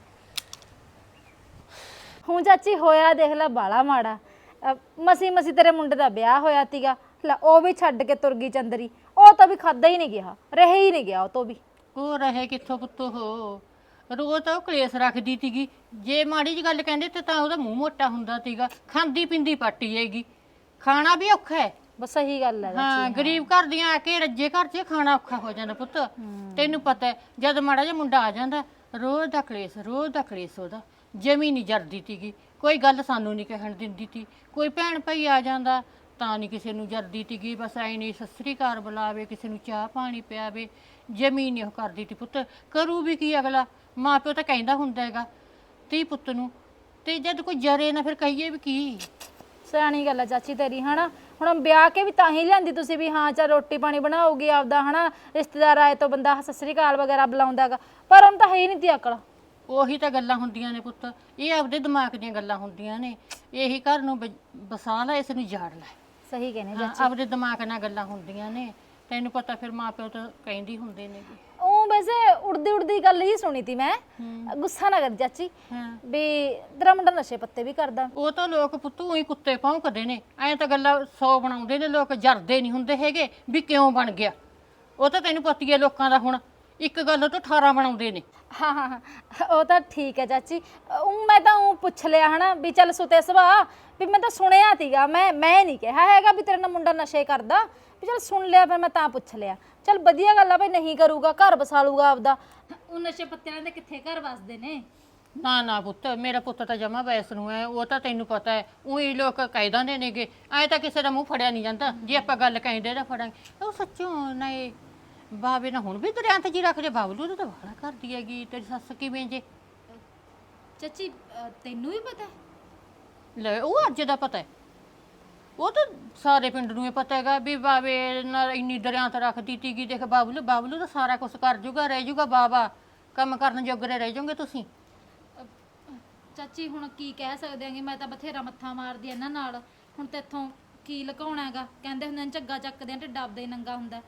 ਹੁਣ ਚਾਚੀ ਹੋਇਆ ਦੇਖ ਲੈ ਬਾਲਾ ਮਾੜਾ। ਮਸੀ ਮਸੀ ਤੇਰੇ ਮੁੰਡੇ ਦਾ ਵਿਆਹ ਹੋਇਆ ਤੀਗਾ, ਲੈ ਉਹ ਵੀ ਛੱਡ ਕੇ ਤੁਰ ਗਈ ਚੰਦਰੀ। ਉਹ ਤਾਂ ਵੀ ਖਾਦਾ ਹੀ ਨਹੀਂ ਗਿਆ, ਰਹੇ ਹੀ ਨਹੀਂ ਗਿਆ ਉਹ ਤੋਂ ਵੀ। ਉਹ ਰਹੇ ਕਿੱਥੋਂ ਪੁੱਤ? ਹੋ ਰੋਜ਼ ਤਾਂ ਉਹ ਕਲੇਸ਼ ਰੱਖਦੀ ਤੀਗੀ, ਜੇ ਮਾੜੀ ਜੀ ਗੱਲ ਕਹਿੰਦੇ ਤੇ ਤਾਂ ਉਹਦਾ ਮੂੰਹ ਮੋਟਾ ਹੁੰਦਾ ਤੀਗਾ। ਖਾਂਦੀ ਪਿੰਦੀ ਪਾਟੀ ਜਾਏਗੀ, ਖਾਣਾ ਵੀ ਔਖਾ ਹੈ। ਬਸ ਸਹੀ ਗੱਲ ਹੈ। ਹਾਂ ਗਰੀਬ ਘਰ ਦੀਆਂ ਆ ਕੇ ਰੱਜੇ ਘਰ 'ਚ ਖਾਣਾ ਔਖਾ ਹੋ ਜਾਂਦਾ ਪੁੱਤ। ਤੈਨੂੰ ਪਤਾ ਹੈ ਜਦ ਮਾੜਾ ਜਿਹਾ ਮੁੰਡਾ ਆ ਜਾਂਦਾ, ਰੋਜ਼ ਦਾ ਕਲੇਸ਼ ਉਹਦਾ ਜਮੀ ਨਹੀਂ ਜਰਦੀ ਤੀਗੀ। ਕੋਈ ਗੱਲ ਸਾਨੂੰ ਨਹੀਂ ਕਹਿਣ ਦਿੰਦੀ ਤੀ, ਕੋਈ ਭੈਣ ਭਾਈ ਆ ਜਾਂਦਾ ਤਾਂ ਨਹੀਂ ਕਿਸੇ ਨੂੰ ਜਰਦੀ ਤੀਗੀ। ਬਸ ਐ ਨਹੀਂ ਸਤਿ ਸ੍ਰੀ ਅਕਾਲ ਬੁਲਾਵੇ, ਕਿਸੇ ਨੂੰ ਚਾਹ ਪਾਣੀ ਪਿਆਵੇ, ਜਮੀ ਨਹੀਂ ਉਹ ਕਰਦੀ ਤੀ ਪੁੱਤ। ਕਰੂ ਵੀ ਕੀ ਅਗਲਾ? ਮਾਂ ਪਿਓ ਤਾਂ ਕਹਿੰਦਾ ਹੁੰਦਾ ਹੈਗਾ ਧੀ ਪੁੱਤ ਨੂੰ, ਤੇ ਜਦ ਕੋਈ ਜਰੇ ਨਾ ਫਿਰ ਕਹੀਏ ਵੀ ਕੀ। ਸਿਆਣੀ ਗੱਲ ਹੈ ਚਾਚੀ ਤੇਰੀ, ਹਨਾ। ਹੁਣ ਵਿਆਹ ਕੇ ਵੀ ਤਾਂ ਹੀ ਲਿਆਂਦੀ ਤੁਸੀਂ ਵੀ ਹਾਂ ਚੱਲ ਰੋਟੀ ਪਾਣੀ ਬਣਾਉਗੀ ਆਪਦਾ, ਹਨਾ। ਰਿਸ਼ਤੇਦਾਰ ਆਏ ਤੋਂ ਬੰਦਾ ਸਤਿ ਸ੍ਰੀ ਅਕਾਲ ਵਗੈਰਾ ਬੁਲਾਉਂਦਾ ਹੈਗਾ, ਪਰ ਉਹਨੂੰ ਤਾਂ ਹੈ ਹੀ ਨਹੀਂ ਤੀ ਅਕਲ। ਉਹੀ ਤਾਂ ਗੱਲਾਂ ਹੁੰਦੀਆਂ ਨੇ ਪੁੱਤ, ਇਹ ਆਪਦੇ ਦਿਮਾਗ ਦੀਆਂ ਗੱਲਾਂ ਹੁੰਦੀਆਂ ਨੇ। ਇਹੀ ਘਰ ਨੂੰ ਬਸਾ ਲੈ, ਇਸ ਨੂੰ ਜਾੜ ਲੈ। ਸਹੀ ਕਹਿੰਦੇ ਹਾਂ, ਆਪਦੇ ਦਿਮਾਗ ਨਾਲ ਗੱਲਾਂ ਹੁੰਦੀਆਂ ਨੇ। ਤੈਨੂੰ ਪਤਾ ਫਿਰ ਮਾਪਿਓ ਤਾਂ ਕਹਿੰਦੀ ਹੁੰਦੇ ਨੇ ਉਹ ਵੈਸੇ ਉੜਦੀ ਉੜਦੀ ਗੱਲ ਹੀ ਸੁਣੀ ਤੀ ਮੈਂ। ਗੁੱਸਾ ਨਾ ਕਰ ਚਾਚੀ ਵੀ ਤੇਰਾ ਮੁੰਡਾ ਨਸ਼ੇ ਪੱਤੇ ਵੀ ਕਰਦਾ। ਉਹ ਤਾਂ ਲੋਕ ਪੁੱਤ ਉਹੀ ਕੁੱਤੇ ਭੌਂਕਦੇ ਨੇ, ਐਂ ਤਾਂ ਗੱਲਾਂ 100 ਬਣਾਉਂਦੇ ਨੇ ਲੋਕ, ਜਰਦੇ ਨਹੀਂ ਹੁੰਦੇ ਹੈਗੇ ਵੀ ਕਿਉਂ ਬਣ ਗਿਆ। ਉਹ ਤਾਂ ਤੈਨੂੰ ਪਤੀ ਹੈ ਲੋਕਾਂ ਦਾ, ਹੁਣ ਇੱਕ ਗੱਲ ਤੋਂ 18 ਬਣਾਉਂਦੇ ਨੇ। ਹਾਂ ਹਾਂ ਹਾਂ, ਉਹ ਤਾਂ ਠੀਕ ਹੈ ਚਾਚੀ। ਮੈਂ ਤਾਂ ਉਹ ਪੁੱਛ ਲਿਆ ਹਨਾ ਵੀ ਚੱਲ ਸੁਤੇ ਸੁਭਾ ਵੀ ਮੈਂ ਤਾਂ ਸੁਣਿਆ ਤੀਗਾ, ਮੈਂ ਨਹੀਂ ਕਿਹਾ ਹੈਗਾ ਵੀ ਤੇਰੇ ਨਾਲ ਮੁੰਡਾ ਨਸ਼ੇ ਕਰਦਾ, ਵੀ ਚੱਲ ਸੁਣ ਲਿਆ ਫਿਰ ਮੈਂ ਤਾਂ ਪੁੱਛ ਲਿਆ। ਚੱਲ ਵਧੀਆ ਗੱਲ ਆ ਭਾਈ, ਨਹੀਂ ਕਰੂਗਾ, ਘਰ ਬਸਾ ਲੂਗਾ ਆਪਦਾ। ਉਹ ਨਸ਼ੇ ਪੱਤਿਆਂ ਦੇ ਕਿੱਥੇ ਘਰ ਵਸਦੇ ਨੇ। ਨਾ ਨਾ ਪੁੱਤ, ਮੇਰਾ ਪੁੱਤ ਤਾਂ ਜਮਾ ਵੈਸ ਨੂੰ ਹੈ। ਉਹ ਤਾਂ ਤੈਨੂੰ ਪਤਾ ਹੈ, ਉਹੀ ਲੋਕ ਕਹਿ ਦਿੰਦੇ ਨੇਗੇ, ਐਂ ਤਾਂ ਕਿਸੇ ਦਾ ਮੂੰਹ ਫੜਿਆ ਨਹੀਂ ਜਾਂਦਾ। ਜੇ ਆਪਾਂ ਗੱਲ ਕਹਿੰਦੇ ਤਾਂ ਫੜਾਂਗੇ। ਉਹ ਸੱਚੋਂ ਨਾ ਇਹ ਬਾਬੇ ਨਾਲ ਹੁਣ ਵੀ ਦਰਿਆ ਤੇ ਜੀ ਰੱਖਦੇ। ਬਾਬਲੂ ਤਾਂ ਵਾਲਾ ਕਰਦੀ ਹੈਗੀ। ਤੇਰੀ ਸੱਸ ਕਿਵੇਂ ਜੇ? ਚਾਚੀ ਤੈਨੂੰ ਵੀ ਪਤਾ? ਲੈ ਉਹ ਅੱਜ ਦਾ ਪਤਾ ਹੈ। ਉਹ ਤਾਂ ਸਾਰੇ ਪਿੰਡ ਨੂੰ ਹੀ ਪਤਾ ਹੈਗਾ ਵੀ ਬਾਬੇ ਨਾਲ ਇੰਨੀ ਦਰਿਆ ਤੇ ਰੱਖਦੀ ਤੀਗੀ। ਦੇਖ ਬਾਬਲੂ ਤਾਂ ਸਾਰਾ ਕੁਝ ਕਰ ਜੂਗਾ, ਰਹਿ ਜੂਗਾ ਬਾਬਾ, ਕੰਮ ਕਰਨ ਜੋਗਰੇ ਰਹਿ ਜਾਓਗੇ ਤੁਸੀਂ। ਚਾਚੀ ਹੁਣ ਕੀ ਕਹਿ ਸਕਦੇ ਆਂਗੇ, ਮੈਂ ਤਾਂ ਬਥੇਰਾ ਮੱਥਾ ਮਾਰਦੀ ਇਹਨਾਂ ਨਾਲ। ਹੁਣ ਤੇਥੋਂ ਕੀ ਲੁਕਾਉਣਾ ਹੈਗਾ? ਕਹਿੰਦੇ ਹੁੰਦੇ ਨੇ ਝੱਗਾ ਚੱਕਦੇ ਆ ਢਿੱਡ ਆਪਦਾ ਹੀ ਨੰਗਾ ਹੁੰਦਾ।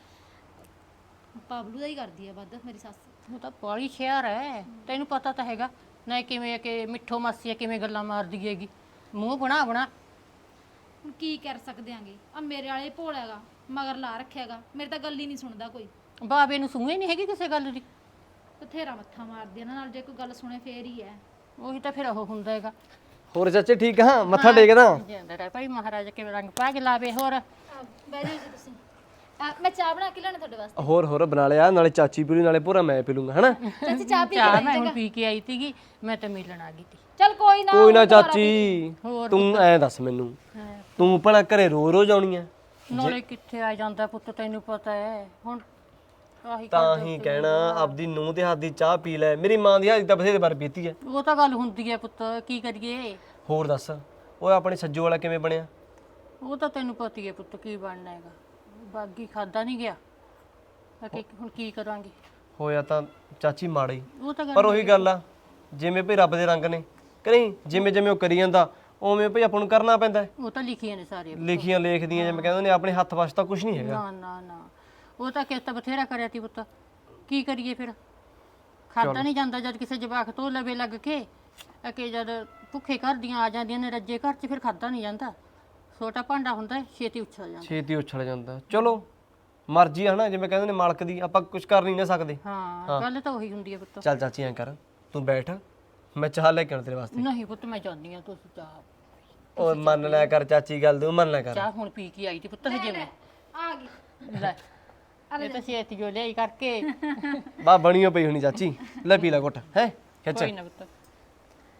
ਬਾਬਲੂ ਦਾ ਹੀ ਕਰਦੀ ਆ ਵੱਧ ਮੇਰੀ ਸੱਸ। ਉਹ ਤਾਂ ਬਾਲੀ ਸ਼ਹਿਰ ਹੈ, ਤੈਨੂੰ ਪਤਾ ਤਾਂ ਹੈਗਾ ਨਾ ਕਿਵੇਂ ਕਿ ਮਿੱਠੋ ਮਾਸੀ ਕਿਵੇਂ ਗੱਲਾਂ ਮਾਰਦੀ ਹੈਗੀ, ਮੂੰਹ ਬਣਾ ਹੁਣ ਕੀ ਕਰ ਸਕਦੇ ਆਂਗੇ? ਆ ਮੇਰੇ ਵਾਲੇ ਭੋਲਾ ਹੈਗਾ, ਮਗਰ ਲਾ ਰੱਖਿਆਗਾ, ਮੇਰੇ ਤਾਂ ਗੱਲ ਹੀ ਨਹੀਂ ਸੁਣਦਾ ਕੋਈ। ਬਾਬੇ ਨੂੰ ਸੂਹੇ ਨਹੀਂ ਹੈਗੀ ਕਿਸੇ ਗੱਲ ਦੀ। ਬਥੇਰਾ ਮੱਥਾ ਮਾਰਦੀ ਇਹਨਾਂ ਨਾਲ, ਜੇ ਕੋਈ ਗੱਲ ਸੁਣੇ ਫੇਰ ਹੀ ਹੈ। ਉਹੀ ਤਾਂ ਫਿਰ ਉਹ ਹੁੰਦਾ ਹੈਗਾ। ਹੋਰ ਚਾਚੇ ਠੀਕ ਹਾਂ? ਮੱਥਾ ਟੇਕਦਾ ਜਾਂਦਾ ਰਹਿ ਭਾਈ, ਮਹਾਰਾਜ ਕਿਵੇਂ ਰੰਗ ਪਾ ਕੇ ਲਾਵੇ। ਹੋਰ ਬਹਿ ਜਾਓ ਜੀ ਤੁਸੀਂ। ਮੈਂ ਚਾਹ ਬਣਾ ਕੇ ਲਿਆਉਣਾ ਤੁਹਾਡੇ ਵਾਸਤੇ। ਹੋਰ ਬਣਾ ਲਿਆ, ਨਾਲੇ ਚਾਚੀ ਪੀ ਲੂ, ਨਾਲੇ ਪੂਰਾ ਮੈਂ ਪੀ ਲੂੰਗਾ, ਹਨਾ? ਚਾਚੀ ਚਾਹ ਪੀ ਚਾਹ ਮੈਂ ਹੁਣ ਪੀ ਕੇ ਆਈ ਸੀਗੀ, ਮੈਂ ਤਾਂ ਮਿਲਣ ਆ ਗਈ ਤੀ। ਚੱਲ ਕੋਈ ਨਾ ਚਾਚੀ, ਤੂੰ ਐ ਦੱਸ ਮੈਨੂੰ, ਤੂੰ ਭਲਾ ਘਰੇ ਰੋਜ਼ ਆਉਣੀ ਐ? ਨਾਲੇ ਕਿੱਥੇ ਆ ਜਾਂਦਾ ਪੁੱਤ, ਤੈਨੂੰ ਪਤਾ ਹੈ। ਹੁਣ ਆਹੀ ਤਾਂ ਹੀ ਕਹਿਣਾ ਆਪਦੀ ਨੂੰਹ ਦੇ ਹੱਥ ਦੀ ਚਾਹ ਪੀ ਲੈ। ਮੇਰੀ ਮਾਂ ਦੀ ਹੱਥ ਦੀ ਤਾਂ ਬਥੇਰੇ ਵਾਰ ਪੀਤੀ ਐ। ਉਹ ਤਾਂ ਗੱਲ ਹੁੰਦੀ ਹੈ ਪੁੱਤ, ਕੀ ਕਰੀਏ। ਹੋਰ ਦੱਸ, ਓਏ ਆਪਣੇ ਸੱਜੂ ਵਾਲਾ ਕਿਵੇਂ ਬਣਿਆ? ਉਹ ਤਾਂ ਤੈਨੂੰ ਪਤਾ ਹੀ ਹੈ ਪੁੱਤ, ਕੀ ਬਣਨਾ ਹੈਗਾ। ਬਾਗੀ ਖਾਦਾ ਨਹੀਂ ਗਿਆ, ਹੁਣ ਕੀ ਕਰਾਂਗੇ। ਹੋਇਆ ਤਾਂ ਚਾਚੀ ਮਾੜਾ ਹੀ, ਉਹ ਤਾਂ ਪਰ ਉਹੀ ਗੱਲ ਆ, ਜਿਵੇਂ ਭਈ ਰੱਬ ਦੇ ਰੰਗ ਨੇ, ਕਿ ਨਹੀਂ? ਜਿਵੇਂ ਉਹ ਕਰੀ ਜਾਂਦਾ ਉਵੇਂ ਭਈ ਆਪਾਂ ਨੂੰ ਕਰਨਾ ਪੈਂਦਾ। ਉਹ ਤਾਂ ਲਿਖੀਆਂ ਨੇ ਸਾਰੇ, ਲਿਖੀਆਂ ਲੇਖਦੀਆਂ, ਜਿਵੇਂ ਕਹਿੰਦੇ ਨੇ, ਆਪਣੇ ਹੱਥ ਵਸ ਤਾਂ ਕੁਝ ਨਹੀਂ ਹੈਗਾ। ਨਾ ਨਾ ਨਾ, ਉਹ ਤਾਂ ਕਿਸ ਤਾਂ ਬਥੇਰਾ ਕਰਿਆ ਤੀ ਪੁੱਤ, ਕੀ ਕਰੀਏ ਫਿਰ। ਖਾਦਾ ਨਹੀਂ ਜਾਂਦਾ ਜਦ ਕਿਸੇ ਜਵਾਕ ਤੋਂ ਲਵੇ ਲੱਗ ਕੇ, ਕਿ ਜਦ ਭੁੱਖੇ ਘਰ ਦੀਆਂ ਆ ਜਾਂਦੀਆਂ ਨੇ ਰੱਜੇ ਘਰ 'ਚ, ਫਿਰ ਖਾਦਾ ਨਹੀਂ ਜਾਂਦਾ। ਛੋਟਾ ਭਾਂਡਾ ਹੁੰਦਾ ਛੇਤੀ ਉਛਲ ਜਾਂਦਾ। ਚਲੋ ਮਰਜ਼ੀ ਆ ਹਨਾ, ਜਿਵੇਂ ਕਹਿੰਦੇ ਨੇ ਮਾਲਕ ਦੀ, ਆਪਾਂ ਕੁਝ ਕਰ ਨਹੀਂ ਨਾ ਸਕਦੇ। ਹਾਂ ਗੱਲ ਤਾਂ ਉਹੀ ਹੁੰਦੀ ਹੈ ਪੁੱਤ। ਚੱਲ ਚਾਚੀ ਐਂ ਕਰ, ਤੂੰ ਬੈਠ, ਮੈਂ ਚਾਹ ਲੈ ਕੇ ਆਉਣਾ ਤੇਰੇ ਵਾਸਤੇ। ਨਹੀਂ ਪੁੱਤ ਮੈਂ ਜਾਂਦੀ ਆ, ਤੁਸੀਂ ਚਾਹ। ਓਏ ਮੰਨ ਲਿਆ ਕਰ ਚਾਚੀ ਗੱਲ, ਤੂੰ ਮੰਨ ਲਿਆ ਕਰ। ਚਾਹ ਹੁਣ ਪੀ ਕੇ ਆਈ ਤੀ ਪੁੱਤ ਹਜੇ ਮੈਂ। ਆ ਗਈ। ਲੈ ਇਹ ਤਾਂ ਛੇਤੀ ਜੋ ਲਿਆਈ ਕਰਕੇ। ਬਾ ਬਣੀਓ ਪਈ ਹੋਣੀ ਚਾਚੀ, ਲੈ ਪੀ ਲੈ ਘੁੱਟ, ਹੈ ਖਿੱਚ। ਕੋਈ ਨਾ ਪੁੱਤ।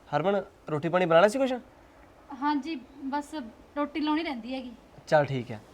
ਹਰਮਨ ਰੋਟੀ ਪਾਣੀ ਬਣਾ ਲਿਆ ਸੀ ਕੁਛ? ਹਾਂਜੀ ਬਸ ਰੋਟੀ ਲਾਉਣੀ ਰਹਿੰਦੀ ਹੈਗੀ। ਚੱਲ ਠੀਕ ਹੈ,